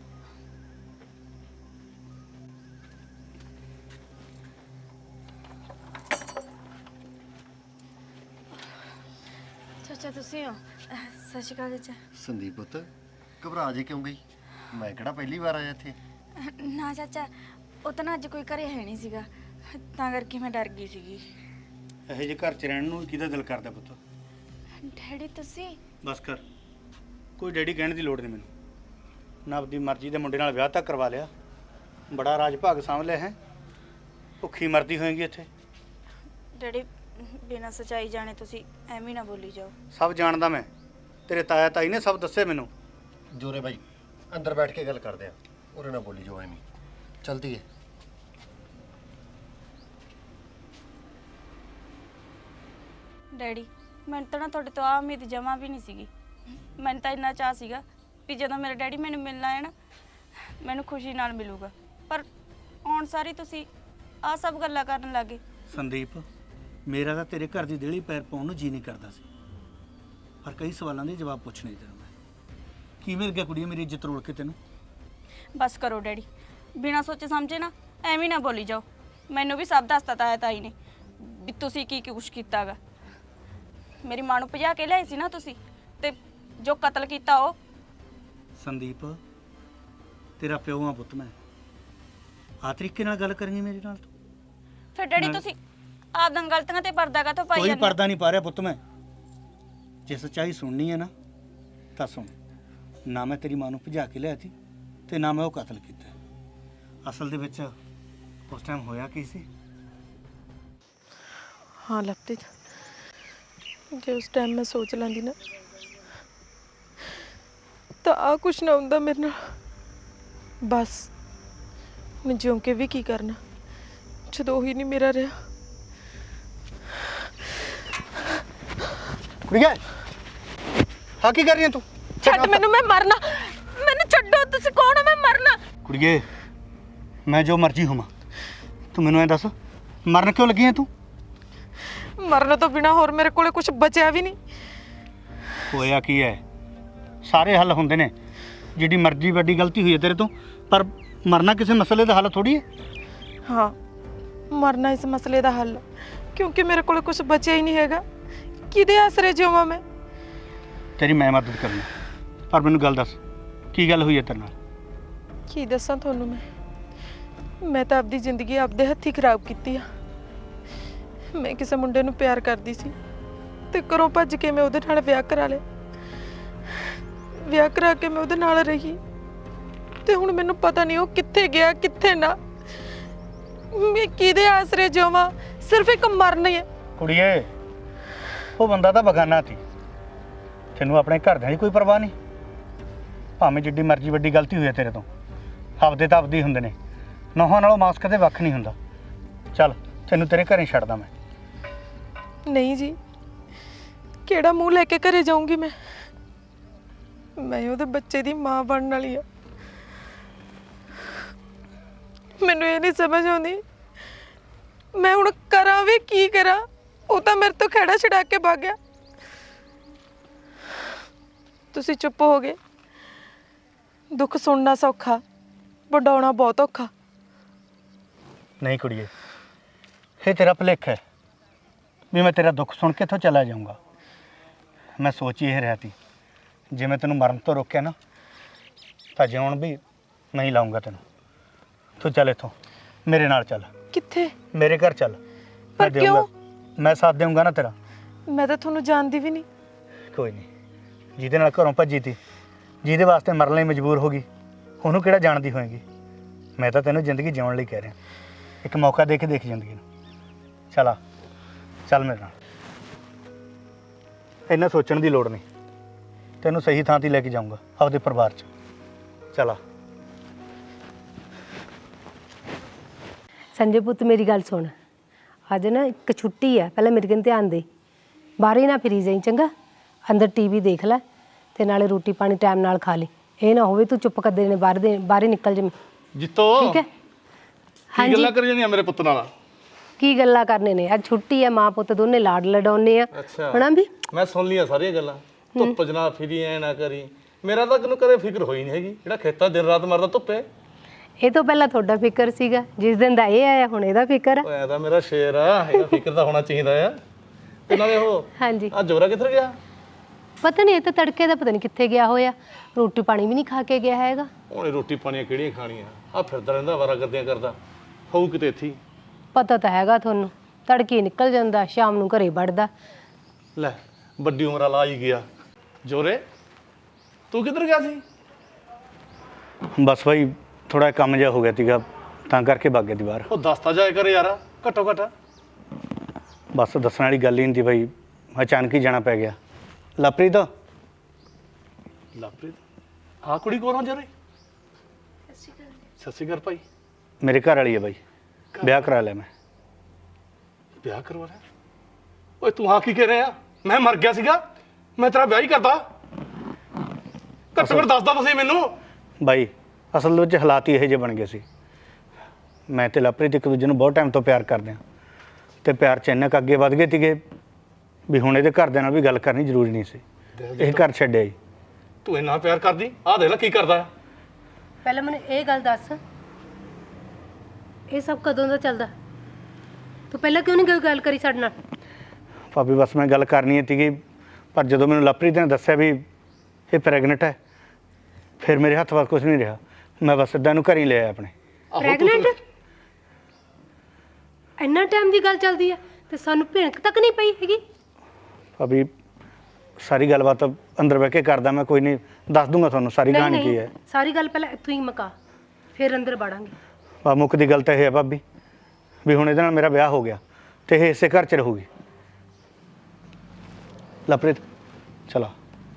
F: ਚਾਚਾ ਤੁਸੀਂ ਹੋ? ਸਤਿ ਸ਼੍ਰੀ ਅਕਾਲ ਚਾਚਾ।
E: ਸੰਦੀਪ ਪੁੱਤ ਘਬਰਾ ਜੇ ਕਿਉਂ ਗਈ? ਮੈਂ ਕਿਹੜਾ ਪਹਿਲੀ ਵਾਰ ਆਇਆ ਇੱਥੇ?
F: ਨਾ ਚਾਚਾ, ਉਹ ਤਾਂ ਨਾ ਅੱਜ ਕੋਈ ਘਰੇ ਹੈ ਨਹੀਂ ਸੀਗਾ, ਤਾਂ ਕਰਕੇ ਮੈਂ ਡਰ ਗਈ ਸੀਗੀ।
C: ਇਹੋ ਜਿਹੇ ਘਰ 'ਚ ਰਹਿਣ ਨੂੰ ਕਿਹਦਾ ਦਿਲ ਕਰਦਾ ਪੁੱਤ?
F: ਡੈਡੀ ਤੁਸੀਂ?
C: ਬਸ ਕਰ, ਕੋਈ ਡੈਡੀ ਕਹਿਣ ਦੀ ਲੋੜ ਨਹੀਂ ਮੈਨੂੰ। ਨਾ ਆਪਦੀ ਮਰਜ਼ੀ ਦੇ ਮੁੰਡੇ ਨਾਲ ਵਿਆਹ ਤਾਂ ਕਰਵਾ ਲਿਆ, ਬੜਾ ਰਾਜ ਭਾਗ ਸਾਂਭ ਲਿਆ ਹੈ। ਭੁੱਖੀ ਮਰਦੀ ਹੋਏਗੀ ਇੱਥੇ।
F: ਡੈਡੀ ਬਿਨਾਂ ਸੱਚਾਈ ਜਾਣੇ ਤੁਸੀਂ ਐਵੇਂ ਨਾ ਬੋਲੀ ਜਾਓ।
C: ਸਭ ਜਾਣਦਾ ਮੈਂ, ਤੇਰੇ ਤਾਇਆ ਤਾਈ ਨੇ ਸਭ ਦੱਸਿਆ ਮੈਨੂੰ।
E: ਜੋਰੇ ਬਾਈ ਅੰਦਰ ਬੈਠ ਕੇ ਗੱਲ ਕਰਦੇ ਆ, ਉਹਦੇ ਨਾਲ ਬੋਲੀ ਜੋ ਐਵੇਂ। ਚਲਦੀ ਹੈ।
F: ਡੈਡੀ ਮੈਨੂੰ ਤਾਂ ਨਾ ਤੁਹਾਡੇ ਤੋਂ ਆ ਉਮੀਦ ਜਮਾ ਵੀ ਨਹੀਂ ਸੀਗੀ। ਮੈਨੂੰ ਤਾਂ ਇੰਨਾ ਚਾਹ ਸੀਗਾ ਵੀ ਜਦੋਂ ਮੇਰਾ ਡੈਡੀ ਮੈਨੂੰ ਮਿਲਣਾ ਹੈ ਨਾ ਮੈਨੂੰ ਖੁਸ਼ੀ ਨਾਲ ਮਿਲੂਗਾ, ਪਰ ਹੁਣ ਸਾਰੀ ਤੁਸੀਂ ਆ ਸਭ ਗੱਲਾਂ ਕਰਨ ਲੱਗੇ।
C: ਸੰਦੀਪ, ਮੇਰਾ ਤਾਂ ਤੇਰੇ ਘਰ ਦੀ ਦੇਹਲੀ ਪੈਰ ਪਾਉਣ ਨੂੰ ਜੀ ਨਹੀਂ ਕਰਦਾ ਸੀ, ਪਰ ਕਈ ਸਵਾਲਾਂ ਦੇ ਜਵਾਬ ਪੁੱਛਣੇ ਤੈਨੂੰ ਮੈਂ। ਕੀ ਮਿਲ ਗਿਆ ਕੁੜੀਏ ਮੇਰੀ ਇੱਜ਼ਤ ਰੋਲ ਕੇ ਤੈਨੂੰ?
F: ਬਸ ਕਰੋ ਡੈਡੀ, ਬਿਨਾਂ ਸੋਚੇ ਸਮਝੇ ਨਾ ਐਵੇਂ ਨਾ ਬੋਲੀ ਜਾਓ। ਮੈਨੂੰ ਵੀ ਸਭ ਦੱਸਤਾ ਤਾਈ ਨੇ ਵੀ ਤੁਸੀਂ ਕੀ ਕੁਛ ਕੀਤਾਗਾ। ਮੇਰੀ ਮਾਂ ਨੂੰ ਭਜਾ ਕੇ ਲਿਆਏ ਸੀ ਨਾ ਤੁਸੀਂ, ਤੇ ਜੋ ਕਤਲ ਕੀਤਾ ਉਹ।
C: ਸੰਦੀਪ, ਤੇਰਾ ਪਿਓ ਆ ਪੁੱਤ ਮੈਂ। ਆ ਤਰੀਕੇ ਨਾਲ ਗੱਲ ਕਰਾਂਗੀ ਮੇਰੇ ਨਾਲ ਤੂੰ?
F: ਫਿਰ ਡੈਡੀ ਤੁਸੀਂ ਆਪਦਾਂ ਗਲਤੀਆਂ ਤੇ ਪਰਦਾ ਕਾਹਤੋਂ ਪਾਈ
C: ਕੋਈ
F: ਜਾਂਦੇ?
C: ਪਰਦਾ ਨਹੀਂ ਪਾ ਰਿਹਾ ਪੁੱਤ ਮੈਂ। ਜੇ ਸੱਚਾਈ ਸੁਣਨੀ ਹੈ ਨਾ ਤਾਂ ਸੁਣ। ਨਾ ਮੈਂ ਤੇਰੀ ਮਾਂ ਨੂੰ ਭਜਾ ਕੇ ਲਿਆ ਸੀ ਤੇ ਨਾ ਮੈਂ ਉਹ ਕਤਲ ਕੀਤਾ। ਅਸਲ ਦੇ ਵਿੱਚ ਉਸ ਟਾਈਮ ਹੋਇਆ ਕੀ ਸੀ?
G: ਹਾਂ ਲਵਪ੍ਰੀਤ, ਜੇ ਉਸ ਟਾਈਮ ਮੈਂ ਸੋਚ ਲੈਂਦੀ ਨਾ ਤਾਂ ਆ ਕੁਛ ਨਾ ਹੁੰਦਾ ਮੇਰੇ ਨਾਲ। ਬਸ ਮੈਂ ਜਿਉਂ ਕੇ ਵੀ ਕੀ ਕਰਨਾ ਜਦੋਂ ਹੀ ਨਹੀਂ ਮੇਰਾ ਰਿਹਾ।
C: ਕੁੜੀਏ, ਹਾਂ ਕੀ ਕਰ ਰਹੀ ਹੈ ਤੂੰ?
G: ਛੱਡ ਮੈਨੂੰ, ਮੈਂ ਮਰਨਾ। ਮੈਨੂੰ ਛੱਡੋ, ਤੁਸੀਂ ਕੌਣ ਹੋ? ਮੈਂ ਮਰਨਾ।
C: ਕੁੜੀਏ, ਮੈਂ ਜੋ ਮਰਜ਼ੀ ਹੋਵਾਂ, ਤੂੰ ਮੈਨੂੰ ਐ ਦੱਸ ਮਰਨ ਕਿਉਂ ਲੱਗੀ ਹੈ ਤੂੰ?
G: ਮਰਨ ਤੋਂ ਬਿਨਾ ਹੋਰ ਮੇਰੇ ਕੋਲੇ ਕੁਝ ਬਚਿਆ ਵੀ ਨਹੀਂ।
C: ਹੋਇਆ ਕੀ ਹੈ? ਸਾਰੇ ਹੱਲ ਹੁੰਦੇ ਨੇ। ਜਿਹੜੀ ਮਰਜ਼ੀ ਵੱਡੀ ਗਲਤੀ ਹੋਈ ਹੈ ਤੇਰੇ ਤੋਂ, ਪਰ ਮਰਨਾ ਕਿਸੇ ਮਸਲੇ ਦਾ ਹੱਲ ਥੋੜੀ ਹੈ।
G: ਹਾਂ, ਮਰਨਾ ਇਸ ਮਸਲੇ ਦਾ ਹੱਲ, ਕਿਉਂਕਿ ਮੇਰੇ ਕੋਲੇ ਕੁਝ ਬਚਿਆ ਹੀ ਨਹੀਂ ਹੈਗਾ। ਕਿਹਦੇ ਆਸਰੇ ਜਿਵਾਂ ਮੈਂ?
C: ਤੇਰੀ ਮੈਂ ਮਦਦ ਕਰਨੀ, ਪਰ ਮੈਨੂੰ ਗੱਲ ਦੱਸ ਕੀ ਗੱਲ ਹੋਈ ਹੈ ਤੇਰੇ ਨਾਲ?
G: ਕੀ ਦੱਸਾਂ ਤੁਹਾਨੂੰ ਮੈਂ ਤਾਂ ਆਪਦੀ ਜ਼ਿੰਦਗੀ ਆਪਦੇ ਹੱਥੀਂ ਖਰਾਬ ਕੀਤੀ ਆ। ਮੈਂ ਕਿਸੇ ਮੁੰਡੇ ਨੂੰ ਪਿਆਰ ਕਰਦੀ ਸੀ ਤੇ ਘਰੋਂ ਭੱਜ ਕੇ ਮੈਂ ਉਹਦੇ ਨਾਲ ਵਿਆਹ ਕਰਾ ਲਿਆ। ਵਿਆਹ ਕਰਾ ਕੇ ਮੈਂ ਉਹਦੇ ਨਾਲ ਰਹੀ ਤੇ ਹੁਣ ਮੈਨੂੰ ਪਤਾ ਨਹੀਂ ਉਹ ਕਿੱਥੇ ਗਿਆ ਕਿੱਥੇ ਨਾ। ਮੈਂ ਕਿਹਦੇ ਆਸਰੇ ਜਿਵਾਂ? ਸਿਰਫ ਇੱਕ ਮਰਨਾ ਹੀ ਹੈ।
C: ਕੁੜੀਏ, ਉਹ ਬੰਦਾ ਤਾਂ ਬਗਾਨਾ ਸੀ। ਤੈਨੂੰ ਆਪਣੇ ਘਰਦਿਆਂ ਦੀ ਕੋਈ ਪਰਵਾਹ ਨਹੀਂ? ਭਾਵੇਂ ਜਿੱਡੀ ਮਰਜ਼ੀ ਵੱਡੀ ਗਲਤੀ ਹੋਈ ਹੈ ਤੇਰੇ ਤੋਂ, ਆਪਦੇ ਤਾਂ ਆਪਦੇ ਹੀ ਹੁੰਦੇ ਨੇ। ਨੌਹਾਂ ਨਾਲੋਂ ਮਾਸ ਕਦੇ ਵੱਖ ਨਹੀਂ ਹੁੰਦਾ। ਚੱਲ ਤੈਨੂੰ ਤੇਰੇ ਘਰੇ ਛੱਡਦਾ ਮੈਂ।
G: ਨਹੀਂ ਜੀ, ਕਿਹੜਾ ਮੂੰਹ ਲੈ ਕੇ ਘਰੇ ਜਾਊਂਗੀ ਮੈਂ ਉਹਦੇ ਬੱਚੇ ਦੀ ਮਾਂ ਬਣਨ ਵਾਲੀ ਆ। ਮੈਨੂੰ ਇਹ ਨਹੀਂ ਸਮਝ ਆਉਂਦੀ ਮੈਂ ਹੁਣ ਕਰਾਂ ਵੀ ਕੀ ਕਰਾਂ। ਉਹ ਤਾਂ ਮੇਰੇ ਤੋਂ ਖਹਿੜਾ ਛਡਾ ਕੇ ਭੱਗ ਗਿਆ। ਤੁਸੀਂ ਚੁੱਪ ਹੋ ਗਏ। ਦੁੱਖ ਸੁਣਨਾ ਸੌਖਾ, ਵਡਾਉਣਾ ਬਹੁਤ ਔਖਾ।
C: ਨਹੀਂ ਕੁੜੀਏ, ਇਹ ਤੇਰਾ ਭੁਲੇਖਾ ਹੈ ਵੀ ਮੈਂ ਤੇਰਾ ਦੁੱਖ ਸੁਣ ਕੇ ਇੱਥੋਂ ਚਲਾ ਜਾਊਂਗਾ। ਮੈਂ ਸੋਚ ਹੀ ਇਹ ਰਿਹਾ ਸੀ, ਜੇ ਮੈਂ ਤੈਨੂੰ ਮਰਨ ਤੋਂ ਰੋਕਿਆ ਨਾ ਤਾਂ ਜਿਉਣ ਵੀ ਨਹੀਂ ਲਾਉਂਗਾ ਤੈਨੂੰ। ਤੂੰ ਚੱਲ ਇੱਥੋਂ, ਮੇਰੇ ਨਾਲ ਚੱਲ।
G: ਕਿੱਥੇ?
C: ਮੇਰੇ ਘਰ ਚੱਲ।
G: ਪਰ ਕਿਉਂ?
C: ਮੈਂ ਸਾਥ ਦੇਊਂਗਾ ਨਾ ਤੇਰਾ।
G: ਮੈਂ ਤਾਂ ਤੁਹਾਨੂੰ ਜਾਣਦੀ ਵੀ ਨਹੀਂ।
C: ਕੋਈ ਨਹੀਂ, ਜਿਹਦੇ ਨਾਲ ਘਰੋਂ ਭੱਜੀ ਤੀ, ਜਿਹਦੇ ਵਾਸਤੇ ਮਰਨ ਲਈ ਮਜਬੂਰ ਹੋ ਗਈ, ਉਹਨੂੰ ਕਿਹੜਾ ਜਾਣਦੀ ਹੋਏਗੀ? ਮੈਂ ਤਾਂ ਤੈਨੂੰ ਜ਼ਿੰਦਗੀ ਜਿਉਣ ਲਈ ਕਹਿ ਰਿਹਾ। ਇੱਕ ਮੌਕਾ ਦੇ ਕੇ ਦੇਖ ਜ਼ਿੰਦਗੀ ਨੂੰ। ਚੱਲ ਆ, ਚੱਲ ਮੇਰੇ ਨਾਲ। ਇੰਨਾ ਸੋਚਣ ਦੀ ਲੋੜ ਨਹੀਂ, ਤੈਨੂੰ ਸਹੀ ਥਾਂ 'ਤੇ ਲੈ ਕੇ ਜਾਊਂਗਾ ਆਪਦੇ ਪਰਿਵਾਰ 'ਚ। ਚੱਲ ਆ।
B: ਸੰਜੇ ਪੁੱਤ ਮੇਰੀ ਗੱਲ ਸੁਣ, ਅੱਜ ਨਾ ਇੱਕ ਛੁੱਟੀ ਹੈ, ਪਹਿਲਾਂ ਮੇਰੇ ਕੰਨ ਧਿਆਨ ਦੇ। ਬਾਹਰ ਹੀ ਨਾ ਫਿਰੀ ਜਾਈ ਚੰਗਾ। ਅੰਦਰ ਟੀਵੀ ਦੇਖ ਲੈ ਤੇ ਨਾਲੇ ਰੋਟੀ ਪਾਣੀ ਟਾਈਮ ਨਾਲ ਖਾ ਲਈ। ਇਹ ਨਾ ਹੋਵੇ ਤੂੰ ਚੁੱਪ ਕਰਦੇ ਨੇ ਬਾਹਰ ਹੀ ਨਿਕਲ ਜਾ।
A: ਜਿੱਤੋ
B: ਠੀਕ ਹੈ?
A: ਕੀ ਗੱਲਾਂ ਕਰੀ ਜਾਂਦੀਆਂ ਮੇਰੇ ਪੁੱਤ ਨਾਲ?
B: ਕੀ ਗੱਲਾਂ ਕਰਨੇ ਨੇ? ਅੱਜ ਛੁੱਟੀ ਹੈ, ਮਾਂ ਪੁੱਤ ਦੋਨੇ ਲਾਡ ਲਡਾਉਨੇ ਆ।
A: ਅੱਛਾ,
B: ਹਨਾ ਵੀ?
A: ਮੈਂ ਸੁਣ ਲਈਆਂ ਸਾਰੀਆਂ ਗੱਲਾਂ। ਧੁੱਪ ਜਨਾ ਫਿਰੀ ਐ ਨਾ ਕਰੀ। ਮੇਰਾ ਤਾਂ ਕਿਨੂੰ ਕਦੇ ਫਿਕਰ ਹੋਈ ਨਹੀਂ ਹੈਗੀ, ਜਿਹੜਾ ਖੇਤਾਂ ਦਿਨ ਰਾਤ ਮਰਦਾ ਧੁੱਪੇ।
B: ਇਹ ਤੋਂ ਪਹਿਲਾਂ ਤੁਹਾਡਾ ਫਿਕਰ ਸੀਗਾ, ਜਿਸ ਦਿਨ ਦਾ ਇਹ ਆਇਆ ਹੁਣ ਇਹਦਾ ਫਿਕਰ ਆ।
A: ਓਏ ਐਦਾ ਮੇਰਾ ਸ਼ੇਰ ਆ, ਇਹਦਾ ਫਿਕਰ ਤਾਂ ਹੋਣਾ ਚਾਹੀਦਾ ਆ। ਤੇ ਨਾਲੇ ਉਹ
B: ਹਾਂਜੀ,
A: ਆ ਜੋਰਾ ਕਿੱਧਰ ਗਿਆ?
B: ਪਤਾ ਨਹੀਂ, ਇਹ ਤਾਂ ਤੜਕੇ ਦਾ ਪਤਾ ਨਹੀਂ ਕਿੱਥੇ ਗਿਆ ਹੋਇਆ। ਰੋਟੀ ਪਾਣੀ ਵੀ ਨਹੀਂ ਖਾ ਕੇ ਗਿਆ ਹੈਗਾ।
A: ਉਹਨੇ ਰੋਟੀ ਪਾਣੀਆਂ ਕਿਹੜੀਆਂ ਖਾਣੀਆਂ? ਆ ਫਿਰਦਾ ਰਹਿੰਦਾ ਵਾਰਾਗਰਦੀਆਂ ਕਰਦਾ ਹੋਊ ਕਿਤੇ ਇੱਥੇ।
B: ਪਤਾ ਤਾਂ ਹੈਗਾ ਤੁਹਾਨੂੰ, ਤੜਕੇ ਨਿਕਲ ਜਾਂਦਾ, ਸ਼ਾਮ ਨੂੰ ਘਰੇ ਵੜਦਾ।
A: ਲੈ ਵੱਡੀ ਉਮਰ ਵਾਲਾ ਹੀ ਗਿਆ। ਜੋਰੇ ਤੂੰ ਕਿੱਧਰ ਗਿਆ ਸੀ?
C: ਬਸ ਭਾਈ ਥੋੜਾ ਕੰਮ ਜਿਹਾ ਹੋ ਗਿਆ ਸੀਗਾ, ਤਾਂ ਕਰਕੇ ਭੱਗ ਗਿਆ ਦੀ ਬਾਹਰ।
A: ਉਹ ਦੱਸਤਾ ਜਾਏ ਕਰ ਯਾਰ, ਘੱਟੋ ਘੱਟ।
C: ਬਸ ਦੱਸਣ ਵਾਲੀ ਗੱਲ ਹੀ ਨਹੀਂ ਸੀ ਭਾਈ, ਅਚਾਨਕ ਹੀ ਜਾਣਾ ਪੈ ਗਿਆ। ਲਵਪ੍ਰੀਤ,
A: ਲਵਪ੍ਰੀਤ ਹਾਂ ਕੁੜੀ ਕੋਲ ਆ ਜੋਰੇ? ਸਤਿ ਸ਼੍ਰੀ ਅਕਾਲ ਭਾਈ।
C: ਮੇਰੇ ਘਰ ਵਾਲੀ ਹੈ ਭਾਈ, ਵਿਆਹ ਕਰਾ ਲਿਆ ਮੈਂ।
A: ਵਿਆਹ ਕਰਵਾ ਰਿਹਾ? ਓਏ ਤੂੰ ਆ ਕੀ ਕਹਿ ਰਿਹਾ? ਮੈਂ ਮਰ ਗਿਆ ਸੀਗਾ? ਮੈਂ ਤੇਰਾ ਵਿਆਹ ਹੀ ਕਰਦਾ। ਘੱਟੋ ਘੱਟ ਦੱਸਦਾ ਤੁਸੀਂ ਮੈਨੂੰ।
C: ਬਾਈ ਅਸਲ ਦੇ ਵਿੱਚ ਹਾਲਾਤ ਹੀ ਇਹੋ ਜਿਹੇ ਬਣ ਗਏ ਸੀ। ਮੈਂ ਤੇ ਲਵਪ੍ਰੀਤ ਇੱਕ ਦੂਜੇ ਨੂੰ ਬਹੁਤ ਟਾਈਮ ਤੋਂ ਪਿਆਰ ਕਰਦੇ ਹਾਂ ਤੇ ਪਿਆਰ 'ਚ ਇੰਨਾ ਕੁ ਅੱਗੇ ਵੱਧ ਗਏ ਸੀਗੇ ਵੀ ਹੁਣ ਇਹਦੇ ਘਰਦਿਆਂ ਨਾਲ ਵੀ ਗੱਲ ਕਰਨੀ ਜ਼ਰੂਰੀ ਨਹੀਂ ਸੀ। ਇਹ ਘਰ ਛੱਡਿਆ ਜੀ।
A: ਤੂੰ ਇੰਨਾ ਪਿਆਰ ਕਰਦੀ, ਆਹ ਦੇਖ ਲੈ ਕੀ ਕਰਦਾ।
B: ਪਹਿਲਾਂ ਮੈਨੂੰ ਇਹ ਗੱਲ ਦੱਸ, ਇਹ ਸਭ ਕਦੋਂ ਦਾ ਚੱਲਦਾ? ਤੂੰ ਪਹਿਲਾਂ ਕਿਉਂ ਨਹੀਂ ਗੱਲ ਕਰੀ ਸਾਡੇ ਨਾਲ?
C: ਭਾਬੀ ਬਸ ਮੈਂ ਗੱਲ ਕਰਨੀ ਸੀਗੀ, ਪਰ ਜਦੋਂ ਮੈਨੂੰ ਲਵਪ੍ਰੀਤ ਨੇ ਦੱਸਿਆ ਵੀ ਇਹ ਪ੍ਰੈਗਨੈਂਟ ਹੈ, ਫਿਰ ਮੇਰੇ ਹੱਥ ਵੱਸ ਕੁਝ ਨਹੀਂ ਰਿਹਾ। ਮੈਂ ਬਸ ਸਿੱਧਾ ਇਹਨੂੰ ਘਰ ਹੀ ਲੈ ਆਇਆ ਆਪਣੇ।
B: ਪ੍ਰੈਗਨੈਂਟ? ਇੰਨਾ ਟਾਈਮ ਦੀ ਗੱਲ ਚੱਲਦੀ ਆ ਤੇ ਸਾਨੂੰ ਭਿਣਕ ਤੱਕ ਨਹੀਂ ਪਈ ਹੈਗੀ।
C: ਭਾਬੀ ਸਾਰੀ ਗੱਲਬਾਤ ਅੰਦਰ ਬਹਿ ਕੇ ਕਰਦਾ ਮੈਂ, ਕੋਈ ਨਹੀਂ ਦੱਸ ਦੂੰਗਾ ਤੁਹਾਨੂੰ ਸਾਰੀ
B: ਨਹੀਂ
C: ਕਹਾਣੀ ਕੀ
B: ਨਹੀਂ,
C: ਹੈ।
B: ਸਾਰੀ ਗੱਲ ਪਹਿਲਾਂ ਇੱਥੋਂ ਹੀ ਮੁਕਾ, ਫਿਰ ਅੰਦਰ ਵੜਾਂਗੇ।
C: ਆ ਮੁੱਖ ਦੀ ਗੱਲ ਤਾਂ ਇਹ ਹੈ ਭਾਬੀ ਵੀ ਹੁਣ ਇਹਦੇ ਨਾਲ ਮੇਰਾ ਵਿਆਹ ਹੋ ਗਿਆ ਤੇ ਇਹ ਇਸੇ ਘਰ 'ਚ ਰਹੂਗੀ। ਲਵਪ੍ਰੀਤ ਚਲਾ।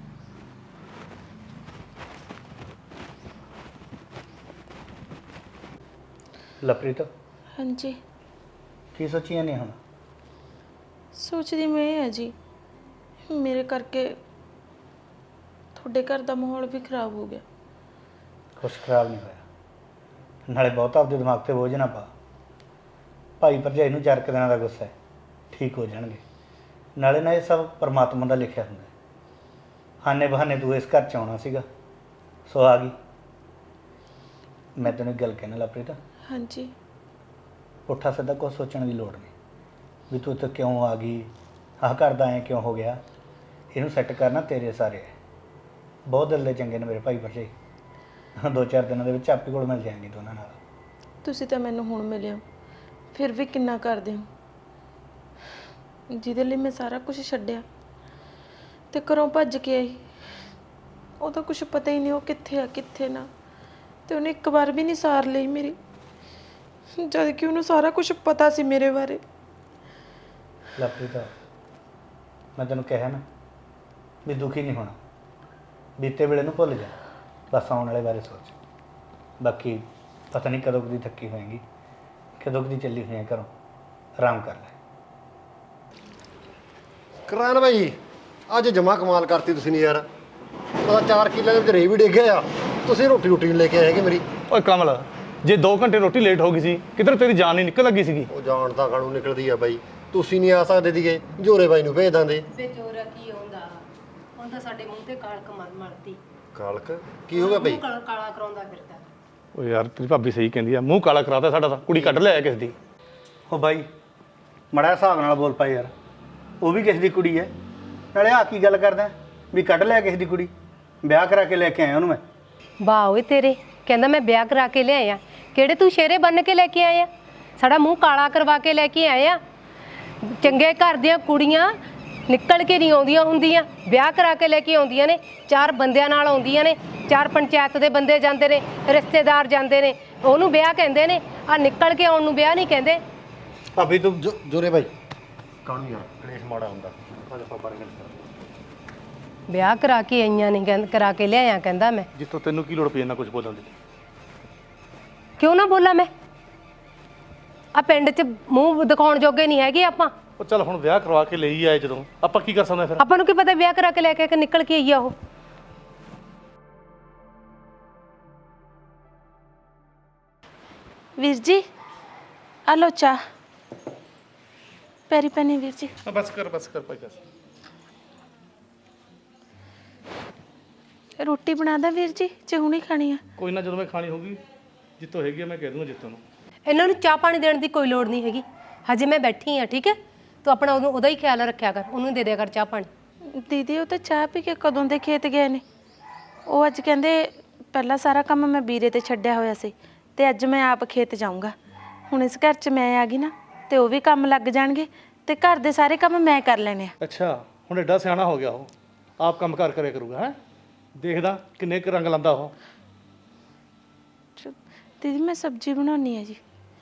C: ਲਵਪ੍ਰੀਤ
G: ਹਾਂਜੀ,
C: ਕੀ ਸੋਚੀਆਂ ਨੇ ਹੁਣ?
G: ਸੋਚਦੀ ਮੈਂ ਇਹ ਹੈ ਜੀ, ਮੇਰੇ ਕਰਕੇ ਤੁਹਾਡੇ ਘਰ ਦਾ ਮਾਹੌਲ ਵੀ ਖਰਾਬ ਹੋ ਗਿਆ।
C: ਕੁਛ ਖਰਾਬ ਨਹੀਂ ਹੋਇਆ। ਨਾਲੇ ਬਹੁਤ ਆਪਦੇ ਦਿਮਾਗ ਤੇ ਬੋਝ ਨਾ ਪਾ। ਭਾਈ ਭਰਜਾਈ ਨੂੰ 4 ਦਿਨਾਂ ਦਾ ਗੁੱਸਾ ਹੈ, ਠੀਕ ਹੋ ਜਾਣਗੇ। ਨਾਲੇ ਨਾ ਇਹ ਸਭ ਪਰਮਾਤਮਾ ਦਾ ਲਿਖਿਆ ਹੁੰਦਾ ਹੈ। ਹਾਨੇ ਬਹਾਨੇ ਤੂੰ ਇਸ ਘਰ 'ਚ ਆਉਣਾ ਸੀਗਾ, ਸੋ ਆ ਗਈ। ਮੈਂ ਤੈਨੂੰ ਇੱਕ ਗੱਲ ਕਹਿਣਾ ਲਵਪ੍ਰੀਤ,
G: ਹਾਂਜੀ,
C: ਪੁੱਠਾ ਸਿੱਧਾ ਕੁਛ ਸੋਚਣ ਦੀ ਲੋੜ ਨਹੀਂ ਵੀ ਤੂੰ ਇੱਥੇ ਕਿਉਂ ਆ ਗਈ, ਆਹ ਕਰਦਾ ਐਂ ਕਿਉਂ ਹੋ ਗਿਆ। ਇਹਨੂੰ ਸੈੱਟ ਕਰਨਾ ਤੇਰੇ ਸਾਰੇ ਹੈ। ਬਹੁਤ ਦਿਲ ਦੇ ਚੰਗੇ ਨੇ ਮੇਰੇ ਭਾਈ ਭਰਜਾਈ। 2-4 ਦਿਨਾਂ ਦੇ ਵਿੱਚ ਆਪੇ ਕੋਲ ਮਿਲ ਜਾਣਗੇ ਦੋਨਾਂ ਨਾਲ।
G: ਤੁਸੀਂ ਤਾਂ ਮੈਨੂੰ ਹੁਣ ਮਿਲਿਓ, ਫਿਰ ਵੀ ਕਿੰਨਾ ਕਰਦੇ ਹੋ। ਜਿਹਦੇ ਲਈ ਮੈਂ ਸਾਰਾ ਕੁਝ ਛੱਡਿਆ ਤੇ ਘਰੋਂ ਭੱਜ ਕੇ ਆਈ, ਉਹਦਾ ਕੁਝ ਪਤਾ ਹੀ ਨਹੀਂ ਉਹ ਕਿੱਥੇ ਆ ਕਿੱਥੇ ਨਾ। ਤੇ ਉਹਨੇ ਇੱਕ ਵਾਰ ਵੀ ਨਹੀਂ ਸਾਰ ਲਈ ਮੇਰੀ, ਜਦ ਕਿ ਉਹਨੂੰ ਸਾਰਾ ਕੁਝ ਪਤਾ ਸੀ ਮੇਰੇ ਬਾਰੇ।
C: ਲਵਪ੍ਰੀਤ ਮੈਂ ਤੈਨੂੰ ਕਿਹਾ ਨਾ ਵੀ ਦੁਖੀ ਨਹੀਂ ਹੋਣਾ। ਬੀਤੇ ਵੇਲੇ ਨੂੰ ਭੁੱਲ ਜਾ, ਬਸ ਆਉਣ ਵਾਲੇ ਬਾਰੇ ਸੋਚ। ਬਾਕੀ ਪਤਾ ਨਹੀਂ ਕਦੋਂ ਦੀ ਥੱਕੀ ਹੋਏਗੀ, ਕਦੋਂ ਦੀ ਚੱਲੀ ਹੋਈ ਹੈ ਘਰੋਂ। ਆਰਾਮ ਕਰ ਲੈ।
E: ਕਰਾਨ ਭਾਈ ਅੱਜ ਜਮਾ ਕਮਾਲ ਕਰਤੀ ਤੁਸੀਂ ਨੇ ਯਾਰ। ਪਤਾ 4 ਕਿੱਲੇ ਦੇ ਵਿੱਚ ਰੇ ਵੀ ਡਿੱਗ ਗਿਆ। ਤੁਸੀਂ ਰੋਟੀ ਨਹੀਂ ਲੈ ਕੇ ਆਏ ਹੈਗੇ ਮੇਰੀ।
A: ਓਏ ਕਮਲ, ਜੇ 2 ਘੰਟੇ ਰੋਟੀ ਲੇਟ ਹੋ ਗਈ ਸੀ, ਕਿਧਰ ਤੇਰੀ ਜਾਨ ਨਹੀਂ ਨਿਕਲ ਲੱਗੀ ਸੀਗੀ।
E: ਉਹ ਜਾਣ ਤਾਂ ਕਾਣੂ ਨਿਕਲਦੀ ਆ ਬਾਈ। ਤੁਸੀਂ ਨਹੀਂ ਆ ਸਕਦੇ ਸੀਗੇ, ਜੋਰੇ ਬਾਈ ਨੂੰ ਭੇਜ ਦਿੰਦੇ।
B: ਬੇਚੋਰਾ ਕੀ ਆਉਂਦਾ, ਹੁਣ ਤਾਂ ਸਾਡੇ ਮੂੰਹ ਤੇ ਕਾਲਕ ਮਲਤੀ।
E: ਕਾਲਕ ਕੀ ਹੋ ਗਿਆ ਬਾਈ?
B: ਕਾਲਾ ਕਰਾਉਂਦਾ ਫਿਰਦਾ।
A: ਓ ਯਾਰ ਤੇਰੀ ਭਾਬੀ ਸਹੀ ਕਹਿੰਦੀ ਆ, ਮੂੰਹ ਕਾਲਾ ਕਰਾਤਾ ਸਾਡਾ ਤਾਂ। ਕੁੜੀ ਕੱਢ ਲਿਆ ਕਿਸ ਦੀ।
C: ਉਹ ਬਾਈ ਮੜਾ ਹਿਸਾਬ ਨਾਲ ਬੋਲ ਪਾਈ ਯਾਰ, ਉਹ ਵੀ ਕਿਸੇ ਦੀ ਕੁੜੀ ਹੈ। ਨਾਲੇ ਆ ਕੀ ਗੱਲ ਕਰਦਾ ਵੀ ਕੱਢ ਲਿਆ ਕਿਸੇ ਦੀ ਕੁੜੀ? ਵਿਆਹ ਕਰਾ ਕੇ ਲੈ ਕੇ ਆਇਆ ਉਹਨੂੰ ਮੈਂ।
B: ਵਾਹ ਓਏ ਤੇਰੇ, ਕਹਿੰਦਾ ਮੈਂ ਵਿਆਹ ਕਰਾ ਕੇ ਲਿਆਇਆ। ਕਿਹੜੇ ਤੂੰ ਸ਼ੇਰੇ ਬੰਨ ਕੇ ਲੈ ਕੇ ਆਇਆ? ਸਾਡਾ ਮੂੰਹ ਕਾਲਾ ਕਰਵਾ ਕੇ ਲੈ ਕੇ ਆਇਆ। ਚੰਗੇ ਘਰ ਦੀਆਂ ਕੁੜੀਆਂ ਨਿਕਲ ਕੇ ਨਹੀਂ ਆਉਂਦੀਆਂ ਹੁੰਦੀਆਂ, ਵਿਆਹ ਕਰਾ ਕੇ ਲੈ ਕੇ ਆਉਂਦੀਆਂ ਨੇ। 4 ਬੰਦਿਆਂ ਨਾਲ ਆਉਂਦੀਆਂ ਨੇ, 4 ਪੰਚਾਇਤ ਦੇ ਬੰਦੇ ਜਾਂਦੇ ਨੇ, ਰਿਸ਼ਤੇਦਾਰ ਜਾਂਦੇ ਨੇ, ਉਹਨੂੰ ਵਿਆਹ ਕਹਿੰਦੇ ਨੇ। ਆ ਨਿਕਲ ਕੇ ਆਉਣ ਨੂੰ ਵਿਆਹ ਨਹੀਂ ਕਹਿੰਦੇ।
C: ਭਾਬੀ ਤੂੰ
E: ਜੋਰੇ ਬਾਈ ਕਾਣੂ ਯਾਰ ਕਲੇਸ਼ ਮਾੜਾ ਹੁੰਦਾ।
B: ਵਿਆਹ ਕਰਾ ਕੇ ਆਈਆਂ ਨੇ, ਕਰਾ ਕੇ ਲਿਆਇਆ ਕਹਿੰਦਾ ਮੈਂ।
A: ਜਿੱਥੋਂ ਤੈਨੂੰ ਕੀ ਲੋੜ ਪਈ ਇੰਨਾ ਕੁਝ ਬੋਲਣ ਦੀ?
B: ਕਿਉਂ ਨਾ ਬੋਲਾਂ ਮੈਂ? ਆ ਪਿੰਡ 'ਚ ਮੂੰਹ ਦਿਖਾਉਣ ਜੋਗੇ ਨਹੀਂ ਹੈਗੇ ਆਪਾਂ।
A: ਉਹ ਚੱਲ ਹੁਣ ਵਿਆਹ ਕਰਵਾ ਕੇ ਲਈ ਆਏ, ਜਦੋਂ ਆਪਾਂ ਕੀ ਕਰ ਸਕਦੇ ਫਿਰ?
B: ਆਪਾਂ ਨੂੰ ਕੀ ਪਤਾ ਵਿਆਹ ਕਰਾ ਕੇ ਲੈ ਕੇ ਨਿਕਲ ਕੇ ਆਈ ਆ ਉਹ।
G: ਵੀਰ ਜੀ ਆ ਲੋ ਚਾਹ। ਪੈਰੀ ਪੈਣੀ ਵੀਰ ਜੀ।
A: ਬਸ ਕਰ ਭਾਈ ਬਸ।
G: ਰੋਟੀ ਬਣਾ ਦਾਂ ਵੀਰ ਜੀ, ਜੇ ਹੁਣੀ ਖਾਣੀ ਆ?
A: ਕੋਈ ਨਾ, ਜਦੋਂ ਮੈਂ ਖਾਣੀ ਹੋਊਗੀ ਜਿੱਤੋਂ ਹੈਗੀ ਆ ਮੈਂ ਕਹਿ ਦੂੰਗਾ ਜਿੱਤੋਂ ਨੂੰ।
B: ਇਹਨਾਂ ਨੂੰ ਚਾਹ ਪਾਣੀ ਦੇਣ ਦੀ ਕੋਈ ਲੋੜ ਨਹੀਂ ਹੈਗੀ, ਹਜੇ ਮੈਂ ਬੈਠੀ ਆ। ਠੀਕ ਹੈ, ਤੂੰ ਆਪਣਾ ਉਹਦਾ ਹੀ ਖਿਆਲ ਰੱਖਿਆ ਕਰ, ਉਹਨੂੰ ਦੇ ਦਿਆ ਕਰ ਚਾਹ ਪਾਣੀ।
G: ਦੀਦੀ ਉਹ ਤਾਂ ਚਾਹ ਪੀ ਕੇ ਕਦੋਂ ਦੇ ਖੇਤ ਗਏ ਨੇ। ਉਹ ਅੱਜ ਕਹਿੰਦੇ ਪਹਿਲਾਂ ਸਾਰਾ ਕੰਮ ਮੈਂ ਵੀਰੇ ਤੇ ਛੱਡਿਆ ਹੋਇਆ ਸੀ ਤੇ ਅੱਜ ਮੈਂ ਆਪ ਖੇਤ ਜਾਊਂਗਾ। ਹੁਣ ਇਸ ਘਰ 'ਚ ਮੈਂ ਆ ਗਈ ਨਾ ਤੇ ਉਹ ਵੀ ਕੰਮ ਲੱਗ ਜਾਣਗੇ ਤੇ ਘਰ ਦੇ ਸਾਰੇ ਕੰਮ ਮੈਂ ਕਰ ਲੈਣੇ ਆ।
A: ਅੱਛਾ, ਹੁਣ ਐਡਾ ਸਿਆਣਾ ਹੋ ਗਿਆ ਉਹ, ਆਪ ਕੰਮ ਕਾਰ ਕਰਿਆ ਕਰੂਗਾ। ਹੈ ਦੇਖਦਾ ਕਿੰਨੇ ਕੁ ਰੰਗ ਲਾਂਦਾ ਉਹ।
G: ਦੀਦੀ ਮੈਂ ਸਬਜ਼ੀ ਬਣਾਉਣੀ ਹੈ ਜੀ।